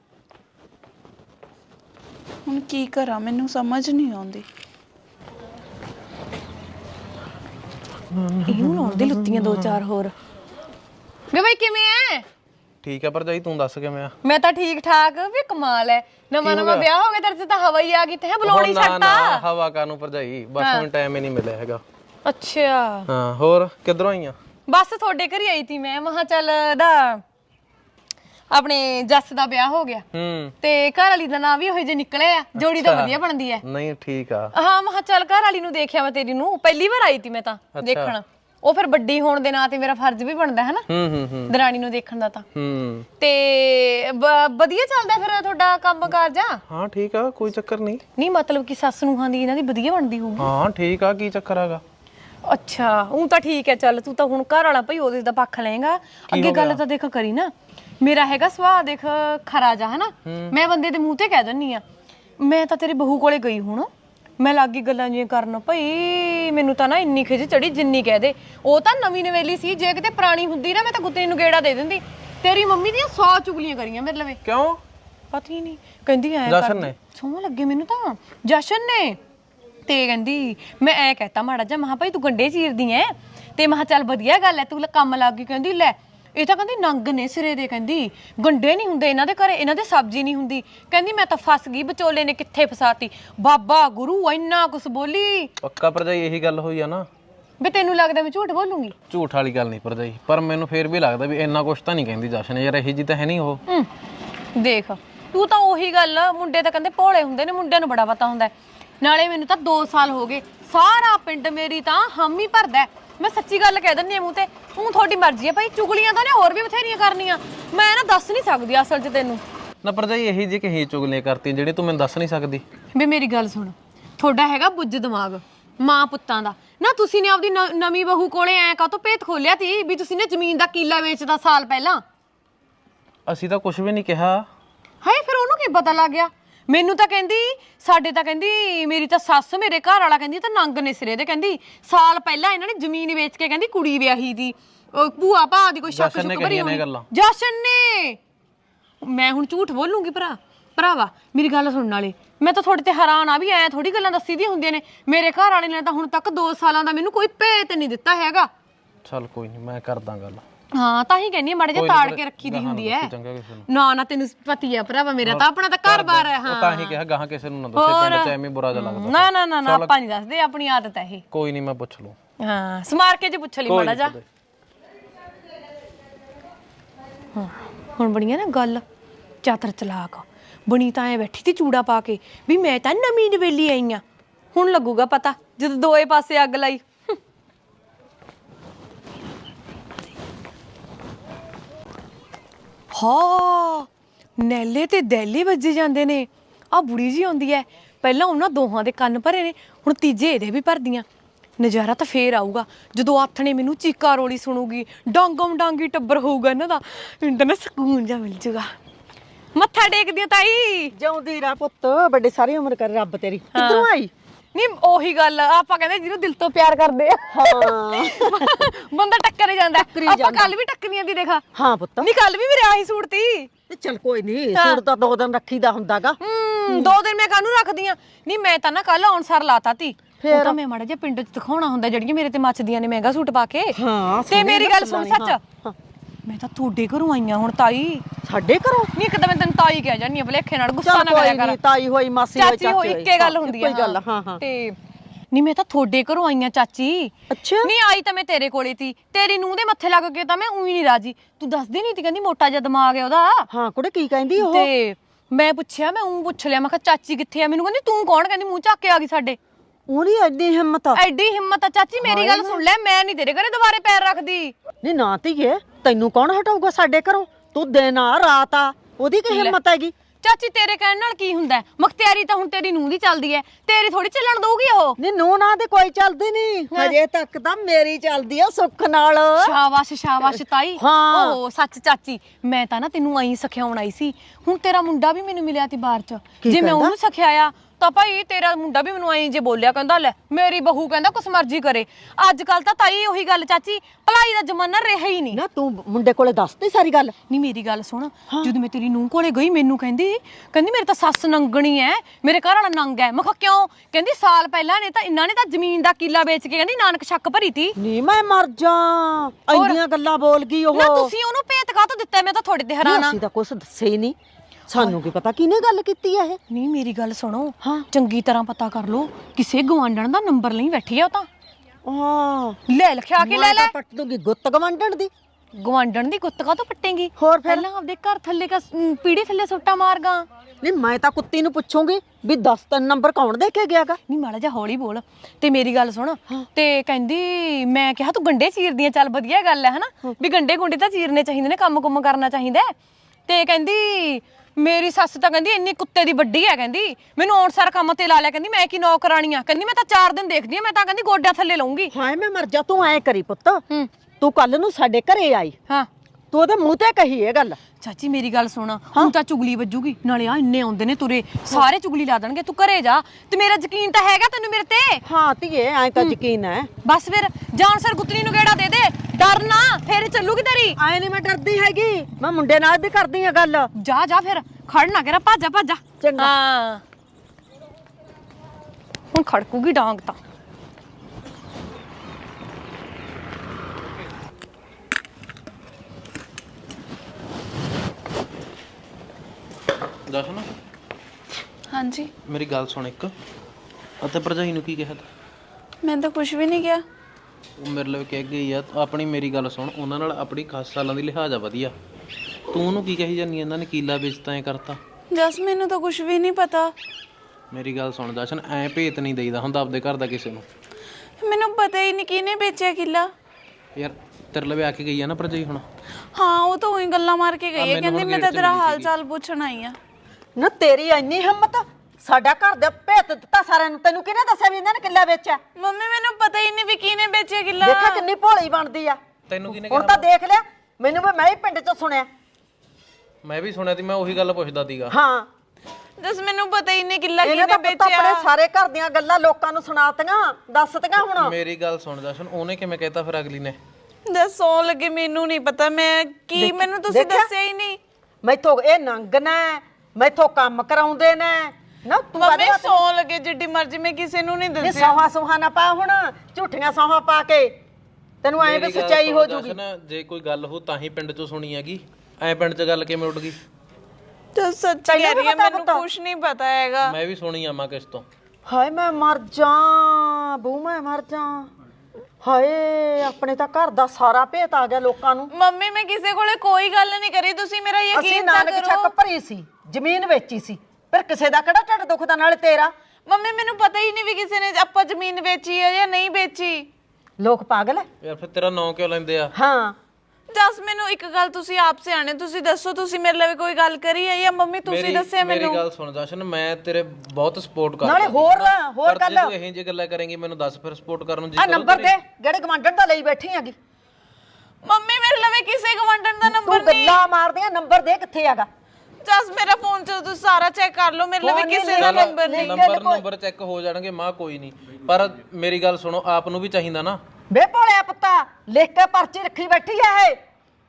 Speaker 3: ਹੁਣ ਕੀ ਕਰਾਂ, ਮੈਨੂੰ ਸਮਝ ਨਹੀਂ ਆਉਂਦੀ।
Speaker 1: ਇਹਨੂੰ ਲਾਉਣ ਦੇ ਲੁੱਤੀਆਂ 2-4 ਹੋਰ। ਵੇ ਬਾਈ ਕਿਵੇਂ ਐ?
Speaker 4: ਠੀਕ ਆ ਭਰਜਾਈ, ਤੂੰ ਦੱਸ ਕਿਵੇਂ ਆ?
Speaker 1: ਮੈਂ ਤਾਂ ਠੀਕ ਠਾਕ ਵੀ ਕਮਾਲ ਹੈ। ਨਵਾਂ ਵਿਆਹ ਹੋ ਗਿਆ ਤੇਰੇ ਤੇ ਤਾਂ ਹਵਾ ਹੀ ਆ ਗਈ ਤੇ ਬੁਲਾਉਣੀ ਛੱਡਤਾ।
Speaker 4: ਨਾ ਹਵਾ ਕਾਨੂੰ ਭਰਜਾਈ, ਬਸ ਹੁਣ ਟਾਈਮ ਹੀ ਨਹੀਂ ਮਿਲਿਆ ਹੈਗਾ।
Speaker 1: ਅੱਛਾ
Speaker 4: ਹਾਂ ਹੋਰ ਕਿੱਧਰੋਂ ਆਈਆਂ?
Speaker 1: ਬਸ ਤੁਹਾਡੇ ਘਰ ਹੀ ਆਈ ਤੀ ਮੈਂ ਮਹਾ ਚੱਲ ਦਾ ਆਪਣੇ ਜੱਸ ਦਾ ਵਿਆਹ ਹੋ ਗਿਆ ਤੇ ਘਰ ਵਾਲੀ ਦਾ ਨਾਂ ਵੀ ਉਹੋ ਜੇ ਨਿਕਲੇ ਆ, ਜੋੜੀ ਤਾਂ ਵਧੀਆ ਬਣਦੀ ਹੈ।
Speaker 4: ਨਹੀਂ ਠੀਕ ਆ।
Speaker 1: ਹਾਂ ਮਹਾ ਚੱਲ ਘਰ ਵਾਲੀ ਨੂੰ ਦੇਖਿਆ ਮੈਂ ਤੇਰੀ ਨੂੰ, ਪਹਿਲੀ ਵਾਰ ਆਈ ਤੀ ਮੈਂ ਤਾਂ ਦੇਖਣ। ਉਹ ਫਿਰ ਵੱਡੀ ਹੋਣ ਦੇ ਨਾਂ ਤੇ ਮੇਰਾ ਫਰਜ਼ ਵੀ ਬਣਦਾ ਹੈ ਨਾ ਦਰਾਣੀ ਨੂੰ ਦੇਖਣ ਦਾ ਤਾਂ। ਤੇ ਵਧੀਆ ਚੱਲਦਾ ਫਿਰ ਤੁਹਾਡਾ ਕੰਮ ਕਾਰਜ?
Speaker 4: ਹਾਂ ਠੀਕ ਆ, ਕੋਈ ਚੱਕਰ ਨਹੀਂ।
Speaker 1: ਨਹੀਂ ਮਤਲਬ ਕਿ ਸੱਸ ਨੂੰਹਾਂ ਦੀ ਇਹਨਾਂ ਦੀ ਵਧੀਆ ਬਣਦੀ ਹੋਊਗੀ।
Speaker 4: ਹਾਂ ਠੀਕ ਆ, ਕੀ ਚੱਕਰ ਹੈਗਾ?
Speaker 1: ਅੱਛਾ ਉਹ ਤਾਂ ਠੀਕ ਹੈ, ਚੱਲ ਤੂੰ ਤਾਂ ਹੁਣ ਘਰ ਵਾਲਾ ਭਈ ਉਹਦੇ ਦਾ ਪੱਖ ਲਏਗਾ। ਅੱਗੇ ਗੱਲ ਤਾਂ ਦੇਖ ਕਰੀ ਨਾ, ਮੇਰਾ ਹੈਗਾ ਸੁਭਾਅ ਦੇਖ ਖਰਾ ਜਾ ਹੈ ਨਾ, ਮੈਂ ਬੰਦੇ ਦੇ ਮੂੰਹ ਤੇ ਕਹਿ ਦਿੰਨੀ ਆ। ਮੈਂ ਤਾਂ ਤੇਰੀ ਬਹੂ ਕੋਲੇ ਗਈ ਹੁਣ, ਮੈਂ ਲੱਗੀ ਗੱਲਾਂ ਜਿਹੀਆਂ ਕਰਨ, ਭਈ ਮੈਨੂੰ ਤਾਂ ਨਾ ਇੰਨੀ ਖਿਜ ਚੜੀ ਜਿੰਨੀ ਕਹਿ ਦੇ। ਉਹ ਤਾਂ ਨਵੀਂ ਨਵੇਲੀ ਸੀ, ਜੇ ਕਿਤੇ ਪੁਰਾਣੀ ਹੁੰਦੀ ਨਾ ਮੈਂ ਤਾਂ ਗੁੱਤੇ ਨੂੰ ਗੇੜਾ ਦੇ ਦਿੰਦੀ। ਤੇਰੀ ਮੰਮੀ ਦੀਆਂ 100 ਚੁਗਲੀਆਂ ਕਰੀਆਂ ਮੇਰੇ ਲਵੇ।
Speaker 4: ਕਿਉਂ?
Speaker 1: ਪਤਾ ਹੀ ਨਹੀਂ, ਕਹਿੰਦੀ ਐ
Speaker 4: ਜਸ਼ਨ ਨੇ
Speaker 1: ਸੋਹ ਲੱਗੇ ਮੈਨੂੰ ਤਾਂ, ਜਸ਼ਨ ਨੇ। ਤੇ ਕਹਿੰਦੀ ਮੈਂ ਐ ਕਹਤਾ ਮਾੜਾ ਜਿਹਾ, ਮਹਾ ਭਾਈ ਤੂੰ ਗੰਡੇ ਚੀਰਦੀ ਐ ਤੇ ਮਹਾ ਚੱਲ ਵਧੀਆ ਗੱਲ ਐ ਤੂੰ ਕੰਮ ਲੱਗ ਗਈ। ਕਹਿੰਦੀ ਲੈ ਇਹ ਤਾਂ ਕਹਿੰਦੀ ਨੰਗ ਨੇ ਸਿਰੇ ਦੇ, ਕਹਿੰਦੀ ਗੰਡੇ ਨਹੀਂ ਹੁੰਦੇ ਇਹਨਾਂ ਦੇ ਘਰੇ, ਇਹਨਾਂ ਦੇ ਸਬਜ਼ੀ ਨਹੀਂ ਹੁੰਦੀ। ਕਹਿੰਦੀ ਮੈਂ ਤਾਂ ਫਸ ਗਈ, ਵਿਚੋਲੇ ਨੇ ਕਿੱਥੇ ਫਸਾਤੀ, ਬਾਬਾ ਗੁਰੂ ਇੰਨਾ ਕੁਛ ਬੋਲੀ।
Speaker 4: ਪੱਕਾ ਭਰਜਾਈ ਇਹੀ ਗੱਲ ਹੋਈ ਆ ਨਾ?
Speaker 1: ਵੀ ਤੈਨੂੰ ਲੱਗਦਾ ਮੈਂ ਝੂਠ ਬੋਲੂੰਗੀ?
Speaker 4: ਝੂਠ ਵਾਲੀ ਗੱਲ ਨਹੀਂ ਭਰਜਾਈ, ਪਰ ਮੈਨੂੰ ਫੇਰ ਵੀ ਲੱਗਦਾ ਵੀ ਇੰਨਾ ਕੁਛ ਤਾਂ ਨਹੀਂ ਕਹਿੰਦੀ ਜਸ਼ਨ ਯਾਰ, ਇਹੀ ਜੀ ਤਾਂ ਹੈ ਨਹੀਂ ਉਹ।
Speaker 1: ਦੇਖ ਤੂੰ ਤਾਂ ਉਹੀ ਗੱਲ, ਮੁੰਡੇ ਤਾਂ ਕਹਿੰਦੇ ਭੋਲੇ ਹੁੰਦੇ ਨੇ, ਮੁੰਡਿਆਂ ਨੂੰ ਬੜਾ ਪਤਾ ਹੁੰਦਾ। ਨਾਲੇ ਮੈਨੂੰ ਤਾਂ 2 ਸਾਲ ਹੋ ਗਏ, ਸਾਰਾ ਪਿੰਡ ਮੇਰੀ ਤਾਂ ਹਾਮੀ ਭਰਦਾ। ਮੈਂ ਸੱਚੀ ਗੱਲ ਕਹਿ ਦਿੰਦੀ ਆ ਮੂੰਹ ਤੇ, ਤੂੰ ਤੁਹਾਡੀ ਮਰਜ਼ੀ ਆ ਭਾਈ, ਚੁਗਲੀਆਂ ਤਾਂ ਨੇ ਹੋਰ ਵੀ ਬਥੇਰੀਆਂ ਕਰਨੀਆਂ, ਮੈਂ ਨਾ ਦੱਸ ਨਹੀਂ ਸਕਦੀ ਅਸਲ 'ਚ ਤੈਨੂੰ।
Speaker 4: ਨਾ ਭਰਜਾਈ ਇਹੀ ਜੀ ਕਹੀ ਚੁਗਲੀਆਂ ਕਰਤੀ ਜਿਹੜੀ ਤੂੰ ਮੈਨੂੰ ਦੱਸ ਨਹੀਂ ਸਕਦੀ?
Speaker 1: ਵੀ ਮੇਰੀ ਗੱਲ ਸੁਣ, ਤੁਹਾਡਾ ਹੈਗਾ ਬੁੱਝ ਦਿਮਾਗ ਮਾਂ ਪੁੱਤਾਂ ਦਾ ਨਾ, ਤੁਸੀਂ ਨੇ ਆਪਦੀ ਨਵੀਂ ਬਹੂ ਕੋਲੇ ਐ ਕਾਹਤੋਂ ਭੇਤ ਖੋਲਿਆ ਤੀ ਵੀ ਤੁਸੀਂ ਨੇ ਜ਼ਮੀਨ ਦਾ ਕੀਲਾ ਵੇਚਦਾ ਸਾਲ ਪਹਿਲਾਂ?
Speaker 4: ਅਸੀਂ ਤਾਂ ਕੁਝ ਵੀ ਨਹੀਂ ਕਿਹਾ।
Speaker 1: ਹਾਏ ਫਿਰ ਉਹਨੂੰ ਕੀ ਪਤਾ ਲੱਗ ਗਿਆ? ਮੈਨੂੰ ਤਾਂ ਕਹਿੰਦੀ ਸਾਡੇ ਤਾਂ ਕਹਿੰਦੀ ਮੇਰੀ ਤਾਂ ਸੱਸ ਮੇਰੇ ਘਰ ਵਾਲਾ ਕਹਿੰਦੀ ਤਾਂ ਨੰਗ ਨੇ ਸਿਰੇ ਦੇ, ਕਹਿੰਦੀ ਸਾਲ ਪਹਿਲਾਂ ਇਹਨਾਂ ਨੇ ਜ਼ਮੀਨ ਵੇਚ ਕੇ ਕਹਿੰਦੀ ਕੁੜੀ ਵਿਆਹੀ ਦੀ, ਭੂਆ ਭਾ ਦੀ ਕੋਈ ਸ਼ੱਕ ਸ਼ੁਕ ਭਰੀ ਹੋਣੀ। ਜਸ਼ਨ ਨੇ। ਮੈਂ ਹੁਣ ਝੂਠ ਬੋਲੂੰਗੀ ਭਰਾਵਾ ਮੇਰੀ ਗੱਲ ਸੁਣਨ ਵਾਲੇ, ਮੈਂ ਤਾਂ ਤੁਹਾਡੇ ਤੇ ਹੈਰਾਨ ਆ ਵੀ ਐ ਥੋੜੀ ਗੱਲਾਂ ਦੱਸੀ ਦੀਆਂ ਹੁੰਦੀਆਂ ਨੇ। ਮੇਰੇ ਘਰ ਵਾਲੇ ਨੇ ਤਾਂ ਹੁਣ ਤੱਕ 2 ਸਾਲਾਂ ਦਾ ਮੈਨੂੰ ਕੋਈ ਭੇਤ ਨਹੀਂ ਦਿੱਤਾ ਹੈਗਾ।
Speaker 4: ਚੱਲ ਕੋਈ ਨਹੀਂ, ਮੈਂ ਕਰਦਾ ਗੱਲ।
Speaker 1: ਹਾਂ ਤਾਂ ਹੀ ਕਹਿੰਦੀ ਆ ਮਾੜੇ ਜਿਹਾ ਤਾੜ ਕੇ ਰੱਖੀ ਦੀ ਹੁੰਦੀ ਐ। ਨਾ ਨਾ ਤੈਨੂੰ ਪਤੀ ਆ ਭਰਾਵਾ, ਮੇਰਾ ਤਾਂ ਆਪਣਾ ਤਾਂ ਘਰ-ਬਾਰ ਹੈ। ਹਾਂ
Speaker 4: ਤਾਂ ਹੀ ਕਿਹਾ ਗਾਹਾਂ ਕਿਸੇ ਨੂੰ ਨਾ ਦੱਸੇ, ਪਿੰਡ 'ਚ ਐਵੇਂ ਬੁਰਾ ਜਿਹਾ ਲੱਗਦਾ।
Speaker 1: ਨਾ ਨਾ ਨਾ ਆਪਾਂ ਨਹੀਂ ਦੱਸਦੇ, ਆਪਣੀ ਆਦਤ ਹੈ ਇਹ।
Speaker 4: ਕੋਈ ਨਹੀਂ ਮੈਂ ਪੁੱਛ ਲੂੰ।
Speaker 1: ਹਾਂ ਸਮਾਰ ਕੇ ਜੇ ਪੁੱਛ ਲਈ ਮਾੜਾ ਜਾ। ਹੁਣ ਬਣੀਆਂ ਨਾ ਗੱਲ, ਚਾਤਰ ਚਲਾਕ ਬਣੀ ਤਾਂ ਐ ਬੈਠੀ ਤੀ ਚੂੜਾ ਪਾ ਕੇ ਵੀ ਮੈਂ ਤਾਂ ਨਵੀਂ ਨਵੇਲੀ ਆਈ ਆ। ਹੁਣ ਲੱਗੂਗਾ ਪਤਾ ਜਦੋਂ ਦੋਏ ਪਾਸੇ ਅੱਗ ਲਾਈ। ਹਾਂ ਨੈਲੇ ਤੇ ਦੈਲੇ ਵੱਜੇ ਜਾਂਦੇ ਨੇ। ਆ ਬੁੜੀ ਜੀ ਆਉਂਦੀ ਐ, ਪਹਿਲਾਂ ਉਹਨਾਂ ਦੋਹਾਂ ਦੇ ਕੰਨ ਭਰੇ ਨੇ, ਹੁਣ ਤੀਜੇ ਇਹਦੇ ਵੀ ਭਰਦੀਆਂ। ਨਜ਼ਾਰਾ ਤਾਂ ਫੇਰ ਆਊਗਾ ਜਦੋਂ ਆਥਣੇ ਮੈਨੂੰ ਚੀਕਾ ਰੋਲੀ ਸੁਣੂਗੀ, ਡਾਂਗਮ ਡਾਂਗੀ ਟੱਬਰ ਹੋਊਗਾ ਇਹਨਾਂ ਦਾ, ਮੈਨੂੰ ਤਾਂ ਨਾ ਸਕੂਨ ਜਾ ਮਿਲ ਜੂਗਾ। ਮੱਥਾ ਟੇਕਦੀ ਤਾਈ।
Speaker 2: ਜਿਉਂਦੀ ਰਹਿ ਪੁੱਤ, ਵੱਡੀ ਸਾਰੀ ਉਮਰ ਕਰ ਰੱਬ ਤੇਰੀ। ਕਿੱਧਰੋਂ ਆਈ?
Speaker 1: ਨਹੀਂ ਉਹੀ ਗੱਲ ਆਪਾਂ ਕਹਿੰਦੇ ਜਿਹਨੂੰ ਦਿਲ ਤੋਂ ਪਿਆਰ ਕਰਦੇ ਆ
Speaker 2: ਹਾਂ
Speaker 1: ਬੰਦਾ ਟੱਕਰ ਜਾਂਦਾ। ਆਪਾਂ ਕੱਲ ਵੀ ਟੱਕਰੀਆਂ ਦੀ ਦੇਖਾ।
Speaker 2: ਹਾਂ ਪੁੱਤ
Speaker 1: ਨਹੀਂ ਕੱਲ ਵੀ ਮੇਰੇ ਆਹੀ ਸੂਟ ਤੀ।
Speaker 2: ਤੇ ਚੱਲ ਕੋਈ ਨਹੀਂ, ਸੂਟ ਤਾਂ 2 ਦਿਨ ਰੱਖੀਦਾ ਹੁੰਦਾਗਾ।
Speaker 1: 2 ਦਿਨ ਮੈਂ ਕਾਹਨੂੰ ਰੱਖਦੀ ਆ? ਨਹੀਂ ਮੈਂ ਤਾਂ ਨਾ ਕੱਲ ਆਉਣਸਾਰ ਲਾਤਾ ਤੀ। ਉਹ ਤਾਂ ਮੈਂ ਮਾੜਾ ਜਿਹਾ ਪਿੰਡ 'ਚ ਦਿਖਾਉਣਾ ਹੁੰਦਾ ਜਿਹੜੀਆਂ ਮੇਰੇ ਤੇ ਮੱਚਦੀਆਂ ਨੇ ਮਹਿੰਗਾ ਸੂਟ ਪਾ ਕੇ।
Speaker 2: ਹਾਂ
Speaker 1: ਤੇ ਮੇਰੀ ਗੱਲ ਸੁਣ ਸੱਚ, ਮੈਂ ਤਾਂ ਤੁਹਾਡੇ ਘਰੋਂ ਆਈਆਂ ਹੁਣ ਤਾਈ।
Speaker 2: ਸਾਡੇ ਘਰੋਂ?
Speaker 1: ਨਹੀਂ ਇੱਕ ਤਾਂ ਮੈਂ ਤੈਨੂੰ ਤਾਈ ਕਹਿ ਜਾਨੀ ਆ, ਭਲੇਖੇ ਨਾਲ ਗੁੱਸਾ ਨਾ ਕਰਿਆ ਕਰ।
Speaker 2: ਤਾਈ ਹੋਈ ਮਾਸੀ ਹੋਈ
Speaker 1: ਚਾਚੀ ਹੋਈ ਇੱਕੇ ਗੱਲ ਹੁੰਦੀ ਆ।
Speaker 2: ਕੋਈ ਗੱਲ। ਹਾਂ ਹਾਂ।
Speaker 1: ਤੇ ਨਹੀਂ ਮੈਂ ਤਾਂ ਤੁਹਾਡੇ ਘਰੋਂ ਆਈਆਂ ਚਾਚੀ।
Speaker 2: ਅੱਛਾ।
Speaker 1: ਨਹੀਂ ਆਈ ਤਾਂ ਮੈਂ ਤੇਰੇ ਕੋਲੇ ਤੀ, ਤੇਰੀ ਨੂੰਹ ਦੇ ਮੱਥੇ ਲੱਗ ਕੇ ਤਾਂ ਮੈਂ ਉਹੀ ਨਹੀਂ ਰਾਜੀ। ਤੂੰ ਦੱਸਦੀ ਨਹੀਂ ਤੀ, ਕਹਿੰਦੀ ਮੋਟਾ ਜਿਹਾ ਦਿਮਾਗ ਹੈ ਉਹਦਾ।
Speaker 2: ਹਾਂ ਕੁੜੇ ਕੀ ਕਹਿੰਦੀ ਉਹ?
Speaker 1: ਤੇ ਮੈਂ ਪੁੱਛਿਆ, ਮੈਂ ਉਹ ਪੁੱਛ ਲਿਆ, ਮੈਂ ਕਿਹਾ ਚਾਚੀ ਕਿੱਥੇ ਆ? ਮੈਨੂੰ ਕਹਿੰਦੀ ਤੂੰ ਕੌਣ? ਕਹਿੰਦੀ ਮੂੰਹ ਚੱਕ ਕੇ ਆ ਗਈ ਸਾਡੇ।
Speaker 2: ਉਹਦੀ ਐਡੀ ਹਿੰਮਤ?
Speaker 1: ਐਡੀ ਹਿੰਮਤ ਆ ਚਾਚੀ, ਮੇਰੀ ਗੱਲ ਸੁਣ ਲੈ, ਮੈਂ ਨਹੀਂ ਤੇਰੇ ਘਰੇ ਦੁਬਾਰੇ ਪੈਰ ਰੱਖਦੀ।
Speaker 2: ਨਹੀਂ ਨਾ ਧੀਏ, ਤੈਨੂੰ ਕੌਣ ਹਟਾਊਗਾ ਸਾਡੇ ਘਰੋਂ? ਤੂੰ ਦਿਨ ਆ ਰਾਤ ਆ, ਉਹਦੀ ਕੀ ਹਿੰਮਤ ਹੈਗੀ?
Speaker 1: ਚਾਚੀ ਤੇਰੇ ਕਹਿਣ ਨਾਲ ਕੀ ਹੁੰਦਾ? ਮੁਖਤਿਆਰੀ ਤਾਂ ਹੁਣ ਤੇਰੀ ਨੂੰਹ ਦੀ ਚੱਲਦੀ ਐ, ਤੇਰੀ ਥੋੜੀ ਚੱਲਣ ਦਊਗੀ ਉਹ।
Speaker 2: ਨਹੀਂ ਨੂੰਹ ਨਾ ਦੇ ਕੋਈ ਚੱਲਦੀ ਨਹੀਂ, ਹਜੇ ਤੱਕ ਤਾਂ ਮੇਰੀ ਚੱਲਦੀ ਆ ਸੁੱਖ ਨਾਲ।
Speaker 1: ਸ਼ਾਬਾਸ਼ ਸ਼ਾਬਾਸ਼ ਤਾਈ।
Speaker 2: ਹਾਂ।
Speaker 1: ਓ ਸੱਚ ਚਾਚੀ, ਮੈਂ ਤਾਂ ਨਾ ਤੈਨੂੰ ਆਈ ਸਿਖਾਉਣ ਆਈ ਸੀ। ਹੁਣ ਤੇਰਾ ਮੁੰਡਾ ਵੀ ਮੈਨੂੰ ਮਿਲਿਆ ਤੀ ਬਾਹਰ ਚ, ਜੇ ਮੈਂ ਉਹਨੂੰ ਸਿਖਾਇਆ ਤਾਂ ਭਾਈ ਤੇਰਾ ਮੁੰਡਾ ਵੀ ਮੈਨੂੰ ਆਈ ਜੇ ਬੋਲਿਆ, ਕਹਿੰਦਾ ਲੈ ਮੇਰੀ ਬਹੂ ਕਹਿੰਦਾ ਕੁਛ ਮਰਜ਼ੀ ਕਰੇ। ਅੱਜ ਕੱਲ ਤਾਂ ਤਾਈ ਉਹੀ ਗੱਲ ਚਾਚੀ, ਭਲਾਈ ਦਾ ਜ਼ਮਾਨਾ ਰਿਹਾ ਹੀ ਨਹੀਂ
Speaker 2: ਨਾ। ਤੂੰ ਮੁੰਡੇ ਕੋਲੇ ਦੱਸਦੀ ਸਾਰੀ ਗੱਲ?
Speaker 1: ਨਹੀਂ ਮੇਰੀ ਗੱਲ ਸੁਣ, ਜਦੋਂ ਮੈਂ ਤੇਰੀ ਨੂੰਹ ਕੋਲੇ ਗਈ ਮੈਨੂੰ ਕਹਿੰਦੀ ਮੇਰੇ ਤਾਂ ਸੱਸ ਨੰਗਣੀ ਐ, ਮੇਰੇ ਘਰ ਵਾਲਾ ਨੰਗ ਐ। ਮੈਂ ਕਿਹਾ ਕਿਉਂ? ਕਹਿੰਦੀ ਸਾਲ ਪਹਿਲਾਂ ਨੇ ਤਾਂ ਇਹਨਾਂ ਨੇ ਤਾਂ ਜ਼ਮੀਨ ਦਾ ਕੀਲਾ ਵੇਚ ਕੇ ਕਹਿੰਦੀ ਨਾਨਕ ਸ਼ੱਕ ਭਰੀ ਤੀ।
Speaker 2: ਨਹੀਂ ਮੈਂ ਮਰ ਜਾ, ਇੰਨੀਆਂ ਗੱਲਾਂ ਬੋਲ ਗਈ ਉਹ।
Speaker 1: ਨਾ ਤੁਸੀਂ ਉਹਨੂੰ ਭੇਤ ਕਾਹਤੋਂ ਦਿੱਤਾ ਮੈਂ ਤਾਂ ਤੁਹਾਡੇ ਤੇ ਹੈਰਾਨ ਆ।
Speaker 2: ਅਸੀਂ ਤਾਂ ਕੁਛ ਦੱਸੇ ਹੀ ਨਹੀਂ, ਸਾਨੂੰ ਕੀ ਪਤਾ ਕਿਹਨੇ ਗੱਲ ਕੀਤੀ ਆ ਇਹ।
Speaker 1: ਨਹੀਂ ਮੇਰੀ ਗੱਲ ਸੁਣੋ,
Speaker 2: ਹਾਂ।
Speaker 1: ਚੰਗੀ ਤਰ੍ਹਾਂ ਪਤਾ ਕਰ ਲਓ, ਕਿਸੇ ਗਵਾਂਢਣ ਦਾ ਨੰਬਰ ਲਈ ਬੈਠੀ ਆ ਉਹ ਤਾਂ।
Speaker 2: ਹਾਂ
Speaker 1: ਲੈ ਲਿਖਿਆ ਕੇ ਲੈ ਲੈ।
Speaker 2: ਪੱਟ ਦੂਗੀ ਗੁੱਤ ਗਵੰਡਣ ਦੀ।
Speaker 1: ਗਵਾਂਢਣ ਦੀ ਗੁੱਤ ਕਾਹਤੋਂ ਪੱਟੇਂਗੀ?
Speaker 2: ਹੋਰ ਫਿਰ?
Speaker 1: ਪਹਿਲਾਂ ਆਪਦੇ ਘਰ ਥੱਲੇ ਕਾ ਪੀੜੀ ਥੱਲੇ ਸੁੱਟਾ ਮਾਰਗਾ।
Speaker 2: ਨਹੀਂ ਮੈਂ ਤਾਂ ਕੁੱਤੀ ਨੂੰ ਪੁੱਛੂੰਗੀ ਵੀ 10 3 ਨੰਬਰ ਕੌਣ ਦੇ ਕੇ ਗਿਆਗਾ।
Speaker 1: ਨਹੀਂ ਮਾੜਾ ਜਿਹਾ ਹੌਲੀ ਬੋਲ। ਤੇ ਮੇਰੀ ਗੱਲ ਸੁਣ, ਤੇ ਕਹਿੰਦੀ ਮੈਂ ਕਿਹਾ ਤੂੰ ਗੰਡੇ ਚੀਰਦੀਆਂ, ਚੱਲ ਵਧੀਆ ਗੱਲ ਹੈ ਹਨਾ, ਵੀ ਗੰਡੇ ਗੁੰਡੇ ਤਾਂ ਚੀਰਨੇ ਚਾਹੀਦੇ ਨੇ, ਕੰਮ ਕੁੰਮ ਕਰਨਾ ਚਾਹੀਦਾ ਹੈ। ਤੇ ਕਹਿੰਦੀ ਮੇਰੀ ਸੱਸ ਤਾਂ ਕਹਿੰਦੀ ਇੰਨੀ ਕੁੱਤੇ ਦੀ ਵੱਡੀ ਹੈ, ਕਹਿੰਦੀ ਮੈਨੂੰ ਆਉਣ ਸਾਰ ਕੰਮ ਤੇ ਲਾ ਲਿਆ, ਕਹਿੰਦੀ ਮੈਂ ਕੀ ਨੌਕਰਾਣੀ ਆ, ਕਹਿੰਦੀ ਮੈਂ ਤਾਂ 4 ਦਿਨ ਦੇਖਦੀ ਆ, ਮੈਂ ਤਾਂ ਕਹਿੰਦੀ ਗੋਡਿਆਂ ਥੱਲੇ ਲਾਉਂਗੀ।
Speaker 2: ਹਾਏ ਮੈਂ ਮਰ ਜਾ, ਤੂੰ ਐ ਕਰੀ ਪੁੱਤ,
Speaker 1: ਹੂੰ
Speaker 2: ਤੂੰ ਕੱਲ ਨੂੰ ਸਾਡੇ ਘਰੇ ਆਈ,
Speaker 1: ਹਾਂ
Speaker 2: ਤੂੰ ਉਹਦੇ ਮੂੰਹ ਤੇ ਕਹੀ ਇਹ ਗੱਲ।
Speaker 1: ਚਾਚੀ ਮੇਰੀ ਗੱਲ ਸੁਣ, ਹੁਣ ਤਾਂ ਚੁਗਲੀ ਵੱਜੂਗੀ, ਨਾਲੇ ਆ ਇੰਨੇ ਆਉਂਦੇ ਨੇ ਤੁਰੇ, ਸਾਰੇ ਚੁਗਲੀ ਲਾ ਦੇਣਗੇ, ਤੂੰ ਘਰੇ ਜਾ। ਤੇ ਮੇਰਾ ਯਕੀਨ ਤਾਂ ਹੈਗਾ ਤੈਨੂੰ ਮੇਰੇ ਤੇ।
Speaker 2: ਹਾਂ ਧੀਏ ਐ ਤਾਂ ਯਕੀਨ ਹੈ।
Speaker 1: ਬਸ ਫਿਰ ਜਾਨ ਸਰ ਗੁੱਤਨੀ ਨੂੰ ਗੇੜਾ ਦੇ ਦੇ, ਡਰ ਨਾ, ਫੇਰ ਚੱਲੂਗੀ ਤੇਰੀ।
Speaker 2: ਐ ਨਹੀਂ ਮੈਂ ਡਰਦੀ ਹੈਗੀ, ਮੈਂ ਮੁੰਡੇ ਨਾਲ ਵੀ ਕਰਦੀ ਆ ਗੱਲ।
Speaker 1: ਜਾ ਜਾ ਫਿਰ, ਖੜ ਨਾ ਕਰਾ, ਭੱਜ ਭੱਜ।
Speaker 2: ਚੰਗਾ।
Speaker 1: ਹਾਂ ਹੁਣ ਖੜਕੂਗੀ ਡਾਂਗ ਤਾਂ।
Speaker 4: ਦੱਸ ਨਾ,
Speaker 3: ਹਾਂਜੀ
Speaker 4: ਮੇਰੀ ਗੱਲ ਸੁਣ ਇੱਕ। ਅਤੇ ਭਰਜਾਈ ਨੂੰ ਕੀ ਕਿਹਾ ਤੂੰ?
Speaker 3: ਮੈਂ ਤਾਂ ਕੁਝ ਵੀ ਨਹੀਂ ਕਿਹਾ।
Speaker 4: ਉਹ ਮੇਰੇ ਲਈ ਕਹਿ ਗਈ ਆ ਆਪਣੀ। ਮੇਰੀ ਗੱਲ ਸੁਣ, ਉਹਨਾਂ ਨਾਲ ਆਪਣੀ ਖਾਸ ਸਾਲਾਂ ਦੀ ਲਿਹਾਜ਼ ਆ ਵਧੀਆ, ਤੂੰ ਉਹਨੂੰ ਕੀ ਕਹੀ ਜਾਨੀ? ਇਹਨਾਂ ਨੇ ਕੀਲਾ ਵੇਚਤਾ ਐ ਕਰਤਾ।
Speaker 3: ਜਸ ਮੈਨੂੰ ਤਾਂ ਕੁਝ ਵੀ ਨਹੀਂ ਪਤਾ।
Speaker 4: ਮੇਰੀ ਗੱਲ ਸੁਣ ਜਸ਼ਨ, ਐ ਭੇਤ ਨਹੀਂ ਦੇਈਦਾ ਹੁੰਦਾ ਆਪਦੇ ਘਰ ਦਾ ਕਿਸੇ ਨੂੰ।
Speaker 3: ਮੈਨੂੰ ਪਤਾ ਹੀ ਨਹੀਂ ਕਿਹਨੇ ਵੇਚਿਆ ਕਿੱਲਾ।
Speaker 4: ਯਾਰ ਤੇਰੇ ਲਈ ਆ ਕੇ ਗਈ ਆ ਨਾ ਭਰਜਾਈ ਹੁਣ।
Speaker 3: ਹਾਂ ਉਹ ਤਾਂ ਉਹੀ ਗੱਲਾਂ ਮਾਰ ਕੇ ਗਈ ਹੈ,
Speaker 4: ਮੈਨੂੰ
Speaker 3: ਕਹਿੰਦੀ
Speaker 4: ਹੁਣ
Speaker 3: ਮੈਂ ਤਾਂ
Speaker 4: ਗੇਟ ਚ
Speaker 3: ਤੇਰਾ
Speaker 4: ਮਿਲੀ
Speaker 3: ਹਾਲ
Speaker 4: ਸੀਗੀ।
Speaker 3: ਚਾਲ ਪੁੱਛਣ ਆਈ ਆ।
Speaker 2: ਨਾ ਤੇਰੀ ਇੰਨੀ ਹਿੰਮਤ, ਸਾਡਾ ਘਰ ਦਾ ਭੇਤ ਦਿੱਤਾ ਸਾਰਿਆਂ ਨੂੰ, ਤੈਨੂੰ ਕਿਹਨੇ ਦੱਸਿਆ ਵੀ ਇਹਨਾਂ ਨੇ ਕਿੱਲਾ ਵੇਚਿਆ?
Speaker 3: ਮੰਮੀ ਮੈਨੂੰ ਪਤਾ ਹੀ ਨਹੀਂ ਵੀ ਕਿਹਨੇ ਵੇਚਿਆ ਕਿੱਲਾ।
Speaker 2: ਦੇਖਾ ਕਿੰਨੀ ਭੋਲੀ ਬਣਦੀ ਆ।
Speaker 4: ਤੈਨੂੰ ਕਿਹਨੇ
Speaker 2: ਹੁਣ
Speaker 4: ਕਿਹਾ?
Speaker 2: ਤਾਂ ਦੇਖ ਲਿਆ ਮੈਨੂੰ, ਵੀ ਮੈਂ ਹੀ ਪਿੰਡ ਚ ਸੁਣਿਆ।
Speaker 4: ਮੈਂ ਵੀ ਸੁਣਿਆ ਤੀ, ਮੈਂ ਉਹੀ ਗੱਲ ਪੁੱਛਦਾ ਸੀਗਾ।
Speaker 2: ਹਾਂ
Speaker 3: ਜਸ ਮੈਨੂੰ ਪਤਾ ਹੀ ਨਹੀਂ ਕਿੱਲਾ
Speaker 2: ਇਹਨੇ
Speaker 3: ਕਿਹਨੇ
Speaker 2: ਤਾਂ ਪੁੱਤ
Speaker 3: ਵੇਚਿਆ।
Speaker 2: ਆਪਣੇ ਸਾਰੇ ਘਰ ਦੀਆਂ ਗੱਲਾਂ ਲੋਕਾਂ ਨੂੰ ਸੁਣਾਤੀਆਂ, ਦੱਸਤੀਆਂ। ਹੁਣ
Speaker 4: ਮੇਰੀ ਗੱਲ ਸੁਣ ਜਸ਼ਨ, ਉਹਨੇ ਕਿਵੇਂ ਕਹਿਤਾ ਫਿਰ ਅਗਲੀ ਨੇ?
Speaker 3: ਜਸ ਸੌ ਲੱਗੇ, ਮੈਨੂੰ ਨਹੀਂ ਪਤਾ ਮੈਂ ਕੀ, ਮੈਨੂੰ ਤੁਸੀਂ
Speaker 2: ਦੇਖਿਆ?
Speaker 3: ਦੱਸਿਆ ਹੀ ਨਹੀਂ।
Speaker 2: ਮੈਥੋਂ ਇਹ ਨੰਗਣਾ, ਮੈਥੋਂ ਕੰਮ ਕਰਾਉਂਦੇ ਨੇ ਨਾ। ਤੂੰ
Speaker 3: ਮੰਮੀ ਸੌ ਲੱਗੇ, ਜਿੱਡੀ ਮਰਜ਼ੀ, ਮੈਂ ਕਿਸੇ ਨੂੰ ਨਹੀਂ
Speaker 2: ਇਹ
Speaker 3: ਦੱਸਿਆ।
Speaker 2: ਸੌਹਾ ਸੁਹਾ ਨਾ ਪਾ, ਹੁਣ ਝੂਠੀਆਂ ਸੌਹਾ ਪਾ ਕੇ ਤੈਨੂੰ ਐਂ ਵੀ
Speaker 4: ਮੇਰੀ ਗੱਲ
Speaker 2: ਸੱਚਾਈ ਹੋ
Speaker 4: ਸੁਣ
Speaker 2: ਜੂਗੀ।
Speaker 4: ਜਸ਼ਨ, ਜੇ ਕੋਈ ਗੱਲ ਹੋ ਤਾਂ ਹੀ ਪਿੰਡ ਚੋਂ ਸੁਣੀ ਹੈਗੀ, ਐ ਪਿੰਡ 'ਚ ਗੱਲ ਕਿਵੇਂ ਉੱਡ ਗਈ?
Speaker 3: ਜਸ ਸੱਚ
Speaker 2: ਤੈਨੂੰ
Speaker 3: ਕਹਿ
Speaker 2: ਵੀ
Speaker 3: ਰਹੀ ਹੈ,
Speaker 2: ਪਤਾ
Speaker 3: ਮੈਨੂੰ
Speaker 2: ਪੁੱਤ?
Speaker 3: ਕੁਝ ਨਹੀਂ ਪਤਾ ਹੈਗਾ।
Speaker 4: ਮੈਂ ਵੀ ਸੁਣੀ ਆ ਮਾਂ ਕਿਸ ਤੋਂ।
Speaker 2: ਹਾਏ ਮੈਂ ਮਰ ਜਾ ਬੂ, ਮੈਂ ਮਰ ਜਾ। ਹਾਏ ਆਪਣੇ ਤਾਂ ਘਰ ਦਾ ਸਾਰਾ ਭੇਤ ਆ ਗਿਆ ਲੋਕਾਂ ਨੂੰ।
Speaker 3: ਮੰਮੀ ਮੈਂ ਕਿਸੇ ਕੋਲੇ ਕੋਈ ਗੱਲ ਨਹੀਂ ਕਰੀ, ਤੁਸੀਂ ਮੇਰਾ
Speaker 2: ਅਸੀਂ
Speaker 3: ਯਕੀਨ ਤਾਂ
Speaker 2: ਨਾਨਕ
Speaker 3: ਕਰੋ।
Speaker 2: ਚੱਕ ਭਰੀ ਸੀ, ਜ਼ਮੀਨ ਵੇਚੀ ਸੀ, ਪਰ ਕਿਸੇ ਦਾ ਕਿਹੜਾ ਢਿੱਡ ਦੁਖਦਾ, ਨਾਲੇ ਤੇਰਾ।
Speaker 3: ਮੰਮੀ ਮੈਨੂੰ ਪਤਾ ਹੀ ਨਹੀਂ ਵੀ ਕਿਸੇ ਨੇ ਆਪਾਂ ਜ਼ਮੀਨ ਵੇਚੀ ਹੈ ਜਾਂ ਨਹੀਂ ਵੇਚੀ।
Speaker 2: ਲੋਕ ਪਾਗਲ ਹੈ।
Speaker 4: ਯਾਰ ਫਿਰ ਤੇਰਾ ਨਾਂ ਕਿਉਂ ਲੈਂਦੇ ਆ?
Speaker 2: ਹਾਂ
Speaker 3: ਜਸ ਮੈਨੂੰ ਇੱਕ ਗੱਲ ਤੁਸੀਂ ਆਪ ਸਿਆਣੇ, ਤੁਸੀਂ ਦੱਸੋ, ਤੁਸੀਂ ਮੇਰੇ ਲਈ ਕੋਈ ਗੱਲ ਕਰੀ ਹੈ ਜਾਂ ਮੰਮੀ ਤੁਸੀਂ ਦੱਸਿਆ
Speaker 4: ਮੇਰੀ
Speaker 3: ਮੈਨੂੰ?
Speaker 4: ਗੱਲ ਸੁਣ ਜਸ਼ਨ, ਮੈਂ ਤੇਰੇ ਬਹੁਤ ਸਪੋਰਟ ਕਰਦਾ।
Speaker 2: ਨਾਲੇ ਹੋਰ ਗੱਲ,
Speaker 4: ਜੇ ਤੂੰ ਇਹੋ ਜਿਹੀ ਗੱਲਾਂ ਕਰੇਂਗੀ ਮੈਨੂੰ ਦੱਸ, ਫਿਰ ਸਪੋਰਟ ਕਰਨ ਨੂੰ ਜੀ
Speaker 2: ਆ
Speaker 4: ਕਰੂ
Speaker 2: ਨੰਬਰ
Speaker 4: ਤੇਰੇ?
Speaker 2: ਦੇ ਜਿਹੜੇ ਗਵਾਂਢਣ ਦਾ ਲਈ ਬੈਠੀ ਹੈਗੀ।
Speaker 3: ਮੰਮੀ ਮੇਰੇ ਲਈ ਕਿਸੇ ਗਵੰਡਣ ਦਾ ਨੰਬਰ
Speaker 2: ਤੂੰ
Speaker 3: ਨਹੀਂ।
Speaker 2: ਗੱਲਾਂ ਮਾਰਦੀਆਂ, ਨੰਬਰ ਦੇ ਕਿੱਥੇ ਹੈਗਾ?
Speaker 3: ਜਸ ਮੇਰਾ ਫੋਨ ਚ ਤੁਸੀਂ ਸਾਰਾ ਚੈੱਕ ਕਰ ਲਓ, ਮੇਰੇ ਲਈ ਕਿਸੇ ਦਾ ਨੰਬਰ ਨਹੀਂ।
Speaker 4: ਨੰਬਰ ਚੈੱਕ ਹੋ ਜਾਣਗੇ ਮਾਂ, ਕੋਈ ਨਹੀਂ। ਪਰ ਮੇਰੀ ਗੱਲ ਸੁਣੋ, ਆਪ ਨੂੰ ਵੀ ਚਾਹੀਦਾ ਨਾ।
Speaker 2: ਬੇ ਭੋਲਿਆ ਪੁੱਤਾ, ਲਿਖ ਕੇ ਪਰਚੀ ਰੱਖੀ ਬੈਠੀ ਆ ਇਹ,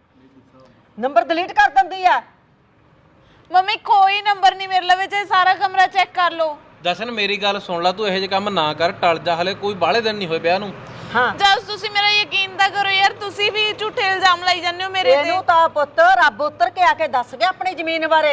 Speaker 2: ਨੰਬਰ ਡਿਲੀਟ ਕਰ ਦਿੰਦੀ ਆ।
Speaker 3: ਮੰਮੀ ਕੋਈ ਨੰਬਰ ਨਹੀਂ ਮੇਰੇ ਲਈ, ਚਾਹੇ ਸਾਰਾ ਕਮਰਾ ਚੈੱਕ ਕਰ ਲਓ।
Speaker 4: ਜਸ਼ਨ ਮੇਰੀ ਗੱਲ ਸੁਣ ਲੈ, ਤੂੰ ਇਹੋ ਜਿਹੇ ਕੰਮ ਨਾ ਕਰ, ਟਲ ਜਾ, ਹਲੇ ਕੋਈ ਬਾਹਲੇ ਦਿਨ ਨਹੀਂ ਹੋਏ ਵਿਆਹ ਨੂੰ।
Speaker 2: ਹਾਂ
Speaker 3: ਜਸ ਤੁਸੀਂ ਮੇਰਾ ਯਕੀਨ ਤਾਂ ਕਰੋ ਯਾਰ, ਤੁਸੀਂ ਵੀ ਝੂਠੇ ਇਲਜ਼ਾਮ ਲਾਈ ਜਾਂਦੇ ਹੋ ਮੇਰੇ ਤੇ।
Speaker 2: ਇਹਨੂੰ ਤਾਂ ਪੁੱਤ ਰੱਬ ਉੱਤਰ ਕੇ ਆ ਕੇ ਦੱਸ ਗਿਆ ਆਪਣੀ ਜ਼ਮੀਨ ਬਾਰੇ।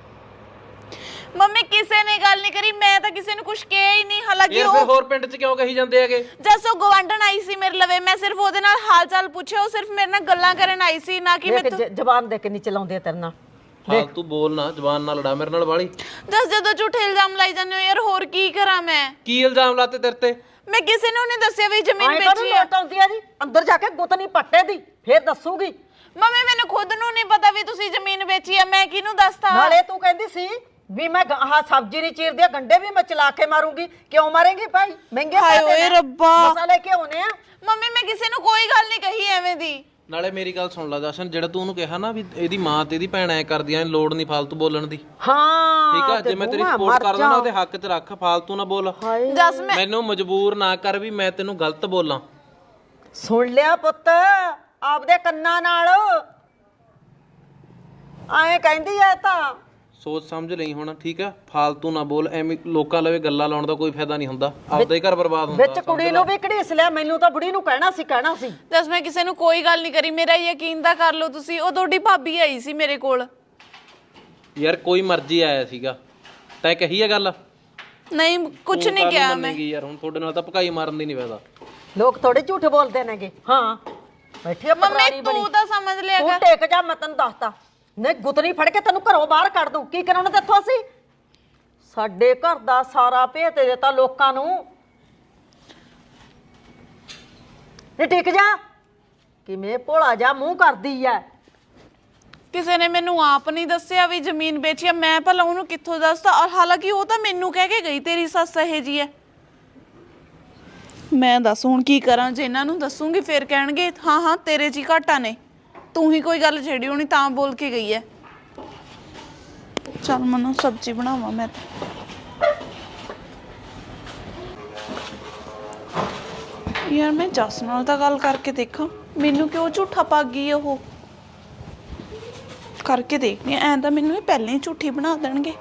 Speaker 3: ਮੰਮੀ ਕਿਸੇ ਨੇ ਗੱਲ ਨਹੀਂ ਕਰੀ, ਮੈਂ ਤਾਂ ਕਿਸੇ ਨੂੰ ਕੁਝ ਕਿਹਾ ਹੀ ਨਹੀਂ। ਹਾਲਾਂਕਿ
Speaker 4: ਯਾਰ ਫਿਰ
Speaker 3: ਉਹ
Speaker 4: ਹੋਰ ਪਿੰਡ 'ਚ ਕਿਉਂ ਕਹੀ ਜਾਂਦੇ ਹੈਗੇ?
Speaker 3: ਜਸ ਉਹ ਗਵਾਂਢਣ ਆਈ ਸੀ ਮੇਰੇ ਲਵੇ, ਮੈਂ ਸਿਰਫ ਉਹਦੇ ਨਾਲ ਹਾਲ ਚਾਲ ਪੁੱਛਿਆ, ਉਹ ਸਿਰਫ ਮੇਰੇ ਨਾਲ ਗੱਲਾਂ ਕਰਨ ਆਈ ਸੀ, ਨਾ ਕਿ ਮੈਂ
Speaker 2: ਦੇਖ ਜ਼ਬਾਨ ਦੇ ਕੇ ਨਹੀਂ ਚਲਾਉਂਦੇ ਤੇਰੇ ਨਾਲ।
Speaker 4: ਫਾਲਤੂ ਬੋਲ ਨਾ, ਜ਼ਬਾਨ ਨਾਲ ਲੜਾ ਮੇਰੇ ਨਾਲ ਵਾਲੀ।
Speaker 3: ਜਸ ਜਦੋਂ ਝੂਠੇ ਇਲਜ਼ਾਮ ਲਾਈ ਜਾਂਦੇ ਹੋ ਯਾਰ, ਹੋਰ ਕੀ ਕਰਾਂ ਮੈਂ?
Speaker 4: ਕੀ ਇਲਜ਼ਾਮ ਲਾਤੇ ਤੇਰੇ ਤੇ?
Speaker 3: ਮੈਂ ਕਿਸੇ ਨੂੰ ਨਹੀਂ ਦੱਸਿਆ ਵੀ ਜ਼ਮੀਨ
Speaker 2: ਐਂ ਤਾਂ
Speaker 3: ਵੇਚੀ ਹੈ।
Speaker 2: ਲੋਟ ਆਉਂਦੀ ਆ ਜੀ, ਅੰਦਰ ਜਾ ਕੇ ਗੁੱਤ ਨਹੀਂ ਪੱਟੇ ਦੀ, ਫੇਰ ਦੱਸੂਗੀ।
Speaker 3: ਮੰਮੀ ਮੈਨੂੰ ਖੁਦ ਨੂੰ ਨਹੀਂ ਪਤਾ ਵੀ ਤੁਸੀਂ ਜ਼ਮੀਨ ਵੇਚੀ ਹੈ, ਮੈਂ ਕਿਹਨੂੰ ਦੱਸਤਾ?
Speaker 2: ਨਾਲੇ ਤੂੰ ਕਹਿੰਦੀ ਸੀ ਵੀ ਮੈਂ ਆਹ ਸਬਜ਼ੀ ਨਹੀਂ ਚੀਰਦੀ, ਗੰਡੇ ਵੀ ਮੈਂ ਚਲਾ ਕੇ ਮਾਰੂੰਗੀ। ਕਿਉਂ ਮਾਰੇਂਗੀ ਭਾਈ? ਮਹਿੰਗੇ
Speaker 3: ਹਾਏ
Speaker 2: ਪੈਸੇ
Speaker 3: ਓਏ
Speaker 2: ਨੇ,
Speaker 3: ਰੱਬਾ।
Speaker 2: ਮਸਾਲੇ ਕਿਉਂ ਨੇ ਆ?
Speaker 3: ਮੰਮੀ ਮੈਂ ਕਿਸੇ ਨੂੰ ਕੋਈ ਗੱਲ ਨਹੀਂ ਕਹੀ ਐਵੇਂ ਦੀ।
Speaker 4: ਨਾਲੇ ਮੇਰੀ ਗੱਲ ਸੁਣ ਲੈ ਜਸ਼ਨ, ਜਿਹੜਾ ਤੂੰ ਉਹਨੂੰ ਕਿਹਾ ਨਾ ਵੀ ਇਹਦੀ ਮਾਂ ਤੇ ਇਹਦੀ ਭੈਣ ਐ ਕਰਦੀਆਂ, ਲੋੜ ਨਹੀਂ ਫਾਲਤੂ ਬੋਲਣ ਦੀ।
Speaker 2: ਹਾਂ
Speaker 4: ਠੀਕ ਆ, ਜੇ ਮੈਂ ਤੇਰੀ ਸਪੋਰਟ ਕਰਦਾ ਨਾ, ਉਹਦੇ ਹੱਕ 'ਚ ਰੱਖ, ਫਾਲਤੂ ਨਾ ਬੋਲ।
Speaker 3: ਜਸ ਮੈਂ
Speaker 4: ਮੈਨੂੰ ਮਜਬੂਰ ਨਾ ਕਰ ਵੀ ਮੈਂ ਤੈਨੂੰ ਗਲਤ ਬੋਲਾਂ।
Speaker 2: ਸੁਣ ਲਿਆ ਪੁੱਤ ਆਪਦੇ ਕੰਨਾਂ ਨਾਲ, ਐਂ ਕਹਿੰਦੀ ਐ ਤਾਂ।
Speaker 4: ਸੋਚ ਸਮਝ ਲਈ ਹੁਣ, ਠੀਕ ਆ? ਫਾਲਤੂ ਨਾ ਬੋਲ, ਐਵੇਂ ਲੋਕਾਂ ਲਵੇ ਗੱਲਾਂ ਲਾਉਣ ਦਾ ਕੋਈ ਫਾਇਦਾ ਨਹੀਂ ਹੁੰਦਾ, ਆਪਦਾ ਹੀ ਘਰ ਬਰਬਾਦ ਹੁੰਦਾ।
Speaker 2: ਵਿੱਚ ਕੁੜੀ ਨੂੰ ਵੀ ਘੜੀਸ ਲਿਆ, ਮੈਨੂੰ ਤਾਂ ਬੁੜੀ ਨੂੰ ਕਹਿਣਾ ਸੀ
Speaker 3: ਦੱਸ ਮੈਂ ਕਿਸੇ ਨੂੰ ਕੋਈ ਗੱਲ ਨਹੀਂ ਕਰੀ, ਮੇਰਾ ਯਕੀਨ ਤਾਂ ਕਰ ਲਓ ਤੁਸੀਂ। ਉਹ ਤੁਹਾਡੀ ਭਾਬੀ ਆਈ ਸੀ ਮੇਰੇ ਕੋਲ।
Speaker 4: ਯਾਰ ਕੋਈ ਮਰਜ਼ੀ ਆਇਆ ਸੀਗਾ, ਤੈਂ ਕਹੀ ਆ ਗੱਲ?
Speaker 3: ਨਹੀਂ ਕੁਝ ਨਹੀਂ ਕਿਹਾ ਮੈਂ
Speaker 4: ਯਾਰ ਹੁਣ ਤੁਹਾਡੇ ਨਾਲ ਤਾਂ ਭਕਾਈ ਮਾਰਨ ਦੀ ਨਹੀਂ ਫਾਇਦਾ।
Speaker 2: ਲੋਕ ਥੋੜੇ ਝੂਠ ਬੋਲਦੇ ਨੇਗੇ। ਹਾਂ ਬੈਠੀ ਆ
Speaker 3: ਮੰਮੀ
Speaker 2: ਪਟਵਾਰੀ ਬਣੀ।
Speaker 3: ਤੂੰ ਤਾਂ ਸਮਝ ਲਿਆ
Speaker 2: ਤੂੰ
Speaker 3: ਕਰ।
Speaker 2: ਟੇਕ ਜਾ, ਮੈਂ ਤੈਨੂੰ ਦੱਸਤਾ। ਨਹੀਂ ਗੁੱਤਨੀ ਫੜ ਕੇ ਤੈਨੂੰ ਘਰੋਂ ਬਾਹਰ ਕੱਢ ਦੂੰ। ਕੀ ਕਰਾਉਣਾ ਤੇਥੋਂ ਅਸੀਂ? ਸਾਡੇ ਘਰ ਦਾ ਸਾਰਾ ਭੇਤ ਦੇ ਦਿੱਤਾ ਲੋਕਾਂ ਨੂੰ। ਨਹੀਂ ਟਿਕ ਜਾ, ਕਿਵੇਂ ਭੋਲਾ ਜਾ ਮੂੰਹ ਕਰਦੀ ਐ।
Speaker 3: ਕਿਸੇ ਨੇ ਮੈਨੂੰ ਆਪ ਨਹੀਂ ਦੱਸਿਆ ਵੀ ਜ਼ਮੀਨ ਵੇਚੀ ਆ, ਮੈਂ ਭਲਾ ਉਹਨੂੰ ਕਿੱਥੋਂ ਦੱਸਦਾ? ਔਰ ਹਾਲਾਂਕਿ ਉਹ ਤਾਂ ਮੈਨੂੰ ਕਹਿ ਕੇ ਗਈ ਤੇਰੀ ਸੱਸ ਇਹ ਜੀ ਐ। ਮੈਂ ਦੱਸ ਹੁਣ ਕੀ ਕਰਾਂ? ਜੇ ਇਹਨਾਂ ਨੂੰ ਦੱਸੂਗੀ ਫਿਰ ਕਹਿਣਗੇ ਹਾਂ ਹਾਂ ਤੇਰੇ 'ਚ ਹੀ ਘਾਟਾ ਨੇ, ਤੂੰ ਹੀ ਕੋਈ ਗੱਲ ਛੇੜੀ ਹੋਣੀ ਤਾਂ ਬੋਲ ਕੇ ਗਈ ਐ। ਚੱਲ ਮੈਨੂੰ ਸਬਜ਼ੀ ਬਣਾਵਾਂ ਮੈਂ। ਯਾਰ ਮੈਂ ਜੱਸ ਨਾਲ ਤਾਂ ਗੱਲ ਕਰਕੇ ਦੇਖਾਂ, ਮੈਨੂੰ ਕਿਉਂ ਝੂਠਾ ਪਾ ਗਈ ਉਹ। ਕਰਕੇ ਦੇਖਦੀ ਐ ਤਾਂ ਮੈਨੂੰ ਇਹ ਪਹਿਲਾਂ ਹੀ ਝੂਠੀ ਬਣਾ ਦੇਣਗੇ।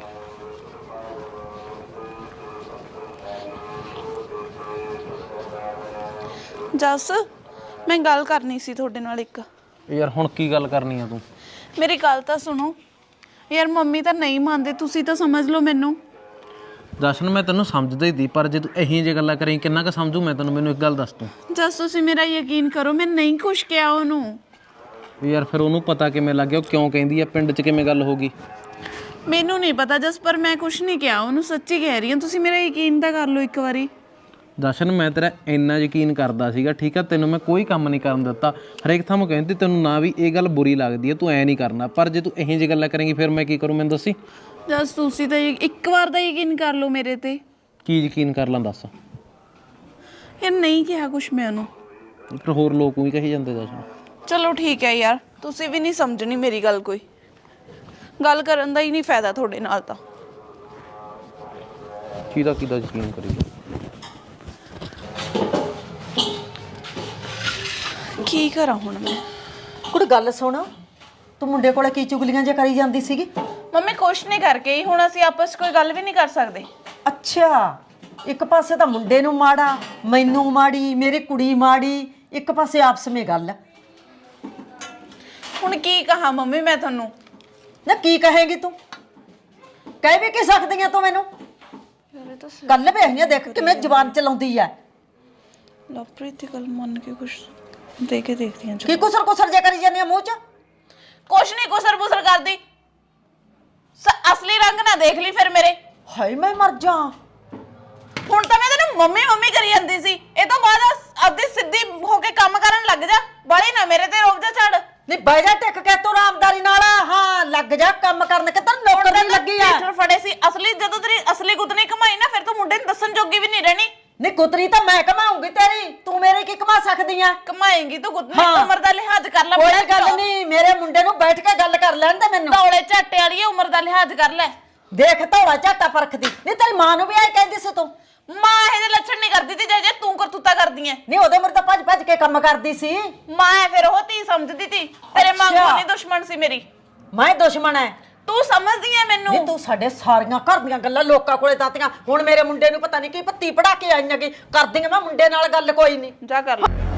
Speaker 3: ਜੱਸ ਮੈਂ ਗੱਲ ਕਰਨੀ ਸੀ ਤੁਹਾਡੇ ਨਾਲ ਇੱਕ।
Speaker 4: ਯਾਰ ਹੁਣ ਕੀ ਗੱਲ ਕਰਨੀ ਆ ਤੂੰ?
Speaker 3: ਮੇਰੀ ਗੱਲ ਤਾਂ ਸੁਣੋ ਯਾਰ, ਮੰਮੀ ਤਾਂ ਨਹੀਂ ਮੰਨਦੇ, ਤੁਸੀਂ ਤਾਂ ਸਮਝ ਲਓ ਮੈਨੂੰ।
Speaker 4: ਜਸ਼ਨ ਮੈਂ ਤੈਨੂੰ ਸਮਝਦਾ ਹੀ ਦੀ, ਪਰ ਜੇ ਤੂੰ ਇਹੀ ਜਿਹੀ ਗੱਲਾਂ ਕਰੀ ਕਿੰਨਾ ਕੁ ਸਮਝੂ ਮੈਂ ਤੈਨੂੰ? ਮੈਨੂੰ ਇੱਕ ਗੱਲ ਦੱਸ ਤੂੰ।
Speaker 3: ਜੱਸ ਤੁਸੀਂ ਮੇਰਾ ਯਕੀਨ ਕਰੋ, ਮੈਂ ਨਹੀਂ ਕੁਛ ਕਿਹਾ ਉਹਨੂੰ।
Speaker 4: ਯਾਰ ਫਿਰ ਉਹਨੂੰ ਪਤਾ ਕਿਵੇਂ ਲੱਗ ਗਿਆ? ਉਹ ਕਿਉਂ ਕਹਿੰਦੀ ਆ? ਪਿੰਡ 'ਚ ਕਿਵੇਂ ਗੱਲ ਹੋ ਗਈ?
Speaker 3: ਮੈਨੂੰ ਨਹੀਂ ਪਤਾ ਜਸ, ਪਰ ਮੈਂ ਕੁਛ ਨਹੀਂ ਕਿਹਾ ਉਹਨੂੰ, ਸੱਚੀ ਕਹਿ ਰਹੀ ਹਾਂ। ਤੁਸੀਂ ਮੇਰਾ ਯਕੀਨ ਤਾਂ ਕਰ ਲਓ ਇੱਕ ਵਾਰੀ।
Speaker 4: ਜਸ਼ਨ ਮੈਂ ਤੇਰਾ ਇੰਨਾ ਯਕੀਨ ਕਰਦਾ ਸੀਗਾ, ਠੀਕ ਆ? ਤੈਨੂੰ ਮੈਂ ਕੋਈ ਕੰਮ ਨਹੀਂ ਕਰਨ ਦਿੱਤਾ, ਹਰੇਕ ਥਾਂ ਮੈਂ ਕਹਿੰਦੀ ਤੈਨੂੰ ਨਾ ਵੀ ਇਹ ਗੱਲ ਬੁਰੀ ਲੱਗਦੀ ਹੈ, ਤੂੰ ਐ ਨਹੀਂ ਕਰਨਾ। ਪਰ ਜੇ ਤੂੰ ਇਹੋ ਜਿਹੀ ਗੱਲਾਂ ਕਰੇਂਗੀ ਫਿਰ ਮੈਂ ਕੀ ਕਰੂੰ? ਮੈਨੂੰ ਦੱਸੀ।
Speaker 3: ਜਸ ਤੁਸੀਂ ਤਾਂ ਇੱਕ ਵਾਰ ਦਾ ਯਕੀਨ ਕਰ ਲਓ ਮੇਰੇ ਤੇ।
Speaker 4: ਕੀ ਯਕੀਨ ਕਰ ਲਾਂ ਦੱਸ?
Speaker 3: ਯਾਰ ਨਹੀਂ ਕਿਹਾ ਕੁਛ ਮੈਂ ਉਹਨੂੰ।
Speaker 4: ਫਿਰ ਹੋਰ ਲੋਕ ਵੀ ਕਹੀ ਜਾਂਦੇ ਜਸ਼ਨ।
Speaker 3: ਚਲੋ ਠੀਕ ਹੈ ਯਾਰ, ਤੁਸੀਂ ਵੀ ਨਹੀਂ ਸਮਝਣੀ ਮੇਰੀ ਗੱਲ, ਕੋਈ ਗੱਲ ਕਰਨ ਦਾ ਹੀ ਨਹੀਂ ਫਾਇਦਾ ਤੁਹਾਡੇ ਨਾਲ ਤਾਂ।
Speaker 4: ਕਿਹਦਾ ਯਕੀਨ ਕਰੀ?
Speaker 3: ਕੀ ਕਰਾਂ ਹੁਣ ਮੈਂ?
Speaker 2: ਕੁੜੀ ਗੱਲ ਸੁਣ, ਤੂੰ ਮੁੰਡੇ ਕੋਲੇ ਕੀ ਚੁਗਲੀਆਂ ਜੇ ਕਰੀ ਜਾਂਦੀ ਸੀਗੀ?
Speaker 3: ਮੰਮੀ ਕੁਛ ਨਹੀਂ ਕਰਕੇ ਹੀ, ਹੁਣ ਅਸੀਂ ਆਪਸ 'ਚ ਕੋਈ ਗੱਲ ਵੀ ਨਹੀਂ ਕਰ ਸਕਦੇ।
Speaker 2: ਅੱਛਾ, ਇੱਕ ਪਾਸੇ ਤਾਂ ਮੁੰਡੇ ਨੂੰ ਮਾੜਾ, ਮੈਨੂੰ ਮਾੜੀ, ਮੇਰੀ ਕੁੜੀ ਮਾੜੀ, ਇੱਕ ਪਾਸੇ ਆਪਸ ਵਿੱਚ ਗੱਲ।
Speaker 3: ਹੁਣ ਕੀ ਕਹਾਂ ਮੰਮੀ ਮੈਂ ਤੁਹਾਨੂੰ?
Speaker 2: ਨਾ ਕੀ ਕਹੇਂਗੀ ਤੂੰ? ਕਹਿ ਵੀ ਕੀ ਸਕਦੀ ਆ ਤੂੰ ਮੈਨੂੰ? ਗੱਲ ਵੇਖੀਆਂ, ਦੇਖ ਕਿਵੇਂ ਜ਼ੁਬਾਨ ਚਲਾਉਂਦੀ ਐ।
Speaker 3: ਲਵਪ੍ਰੀਤ ਦੀ ਗੱਲ ਮੰਨ ਕੇ ਕੁਛ ਦੇ ਕੇ ਦੇਖਦੀ ਹਾਂ।
Speaker 2: ਕੀ ਕੁਸਰ ਜੇ ਕਰੀ ਜਾਂਦੀ ਆ ਮੂੰਹ 'ਚ?
Speaker 3: ਕੁਛ ਨਹੀਂ ਕੁਸਰ ਕਰਦੀ, ਅਸਲੀ ਰੰਗ ਨਾ ਦੇਖ ਲਈ ਫਿਰ ਮੇਰੇ।
Speaker 2: ਹਾਏ ਮੈਂ ਮਰ ਜਾ।
Speaker 3: ਹੁਣ ਤਾਂ ਮੈਂ ਤੈਨੂੰ ਮੰਮੀ ਕਰੀ ਜਾਂਦੀ ਸੀ, ਇਹ ਤੋਂ ਬਾਅਦ ਆਪਦੀ ਸਿੱਧੀ ਹੋ ਕੇ ਕੰਮ ਕਰਨ ਲੱਗ ਜਾ, ਬਾਲੀ ਨਾ ਮੇਰੇ ਤੇ ਰੋਕ ਜਾ ਛੱਡ।
Speaker 2: ਨਹੀਂ ਬਹਿ ਜਾ ਟਿਕ ਕੇ ਤੂੰ ਆਰਾਮਦਾਰੀ ਨਾਲ। ਹਾਂ ਲੱਗ ਜਾ ਕੰਮ ਕਰਨ, ਕਿੱਧਰ ਨੌਕਰ ਨਹੀਂ ਲੱਗੀ ਆ।
Speaker 3: ਟੀਚਰ ਫੜੇ ਸੀ ਅਸਲੀ, ਜਦੋਂ ਤੇਰੀ ਅਸਲੀ ਗੁੱਤਨੀ ਕਮਾਈ ਨਾ ਫਿਰ ਤੂੰ ਮੁੰਡੇ ਨੂੰ ਦੱਸਣ ਜੋਗੀ ਵੀ ਨਹੀਂ ਰਹਿਣੀ।
Speaker 2: ਨਹੀਂ ਗੁੱਤਰੀ ਤਾਂ ਮੈਂ ਕਮਾਉਂਗੀ ਤੇਰੀ, ਤੂੰ ਮੇਰੇ ਕੀ ਕਮਾ ਸਕਦੀ ਆ?
Speaker 3: ਕਮਾਏਂਗੀ ਤੂੰ ਗੁੱਤਨੀ, ਉਮਰ ਦਾ ਲਿਹਾਜ਼ ਕਰ ਲੈ।
Speaker 2: ਕੋਈ ਗੱਲ ਨਹੀਂ, ਮੇਰੇ ਮੁੰਡੇ ਨੂੰ ਬੈਠ ਕੇ ਗੱਲ ਕਰ ਲੈਣ ਦੇ ਮੈਨੂੰ।
Speaker 3: ਧੌਲੇ ਝਾਟੇ ਵਾਲੀ ਉਮਰ ਦਾ ਲਿਹਾਜ਼ ਕਰ ਲੈ।
Speaker 2: ਦੇਖ ਧੌਲਾ ਝਾਟਾ ਪਰਖਦੀ। ਨਹੀਂ ਤੇਰੀ ਮਾਂ ਨੂੰ ਵੀ ਆਏ ਕਹਿੰਦੀ ਸੀ ਤੂੰ?
Speaker 3: ਮਾਂ ਇਹ ਜਿਹੇ ਲੱਛਣ ਨਹੀਂ ਕਰਦੀ ਤੀ ਜੇ ਤੂੰ ਕਰਤੂਤਾ ਕਰਦੀ ਐ।
Speaker 2: ਨਹੀਂ ਉਹਦੇ ਮਰ ਤਾਂ ਭੱਜ ਕੇ ਕੰਮ ਕਰਦੀ ਸੀ।
Speaker 3: ਮਾਂ ਫਿਰ ਉਹ ਧੀ ਸਮਝਦੀ ਤੀ, ਤੇਰੇ ਮਾਂ ਕੋਲ ਨਹੀਂ ਦੁਸ਼ਮਣ ਸੀ ਮੇਰੀ।
Speaker 2: ਮੈਂ ਦੁਸ਼ਮਣ ਐ?
Speaker 3: ਤੂੰ ਸਮਝਦੀ ਐ ਮੈਨੂੰ?
Speaker 2: ਨਹੀਂ ਤੂੰ ਸਾਡੇ ਸਾਰੀਆਂ ਘਰ ਦੀਆਂ ਗੱਲਾਂ ਲੋਕਾਂ ਕੋਲੇ ਦਾਤੀਆਂ। ਹੁਣ ਮੇਰੇ ਮੁੰਡੇ ਨੂੰ ਪਤਾ ਨਹੀਂ ਕੀ ਪੱਤੀ ਪੜਾ ਕੇ ਆਈਆਂ, ਕੀ ਕਰਦੀਆਂ। ਮੈਂ ਮੁੰਡੇ ਨਾਲ ਗੱਲ ਕੋਈ ਨਹੀਂ।
Speaker 3: ਜਾ ਕਰ ਲੈ।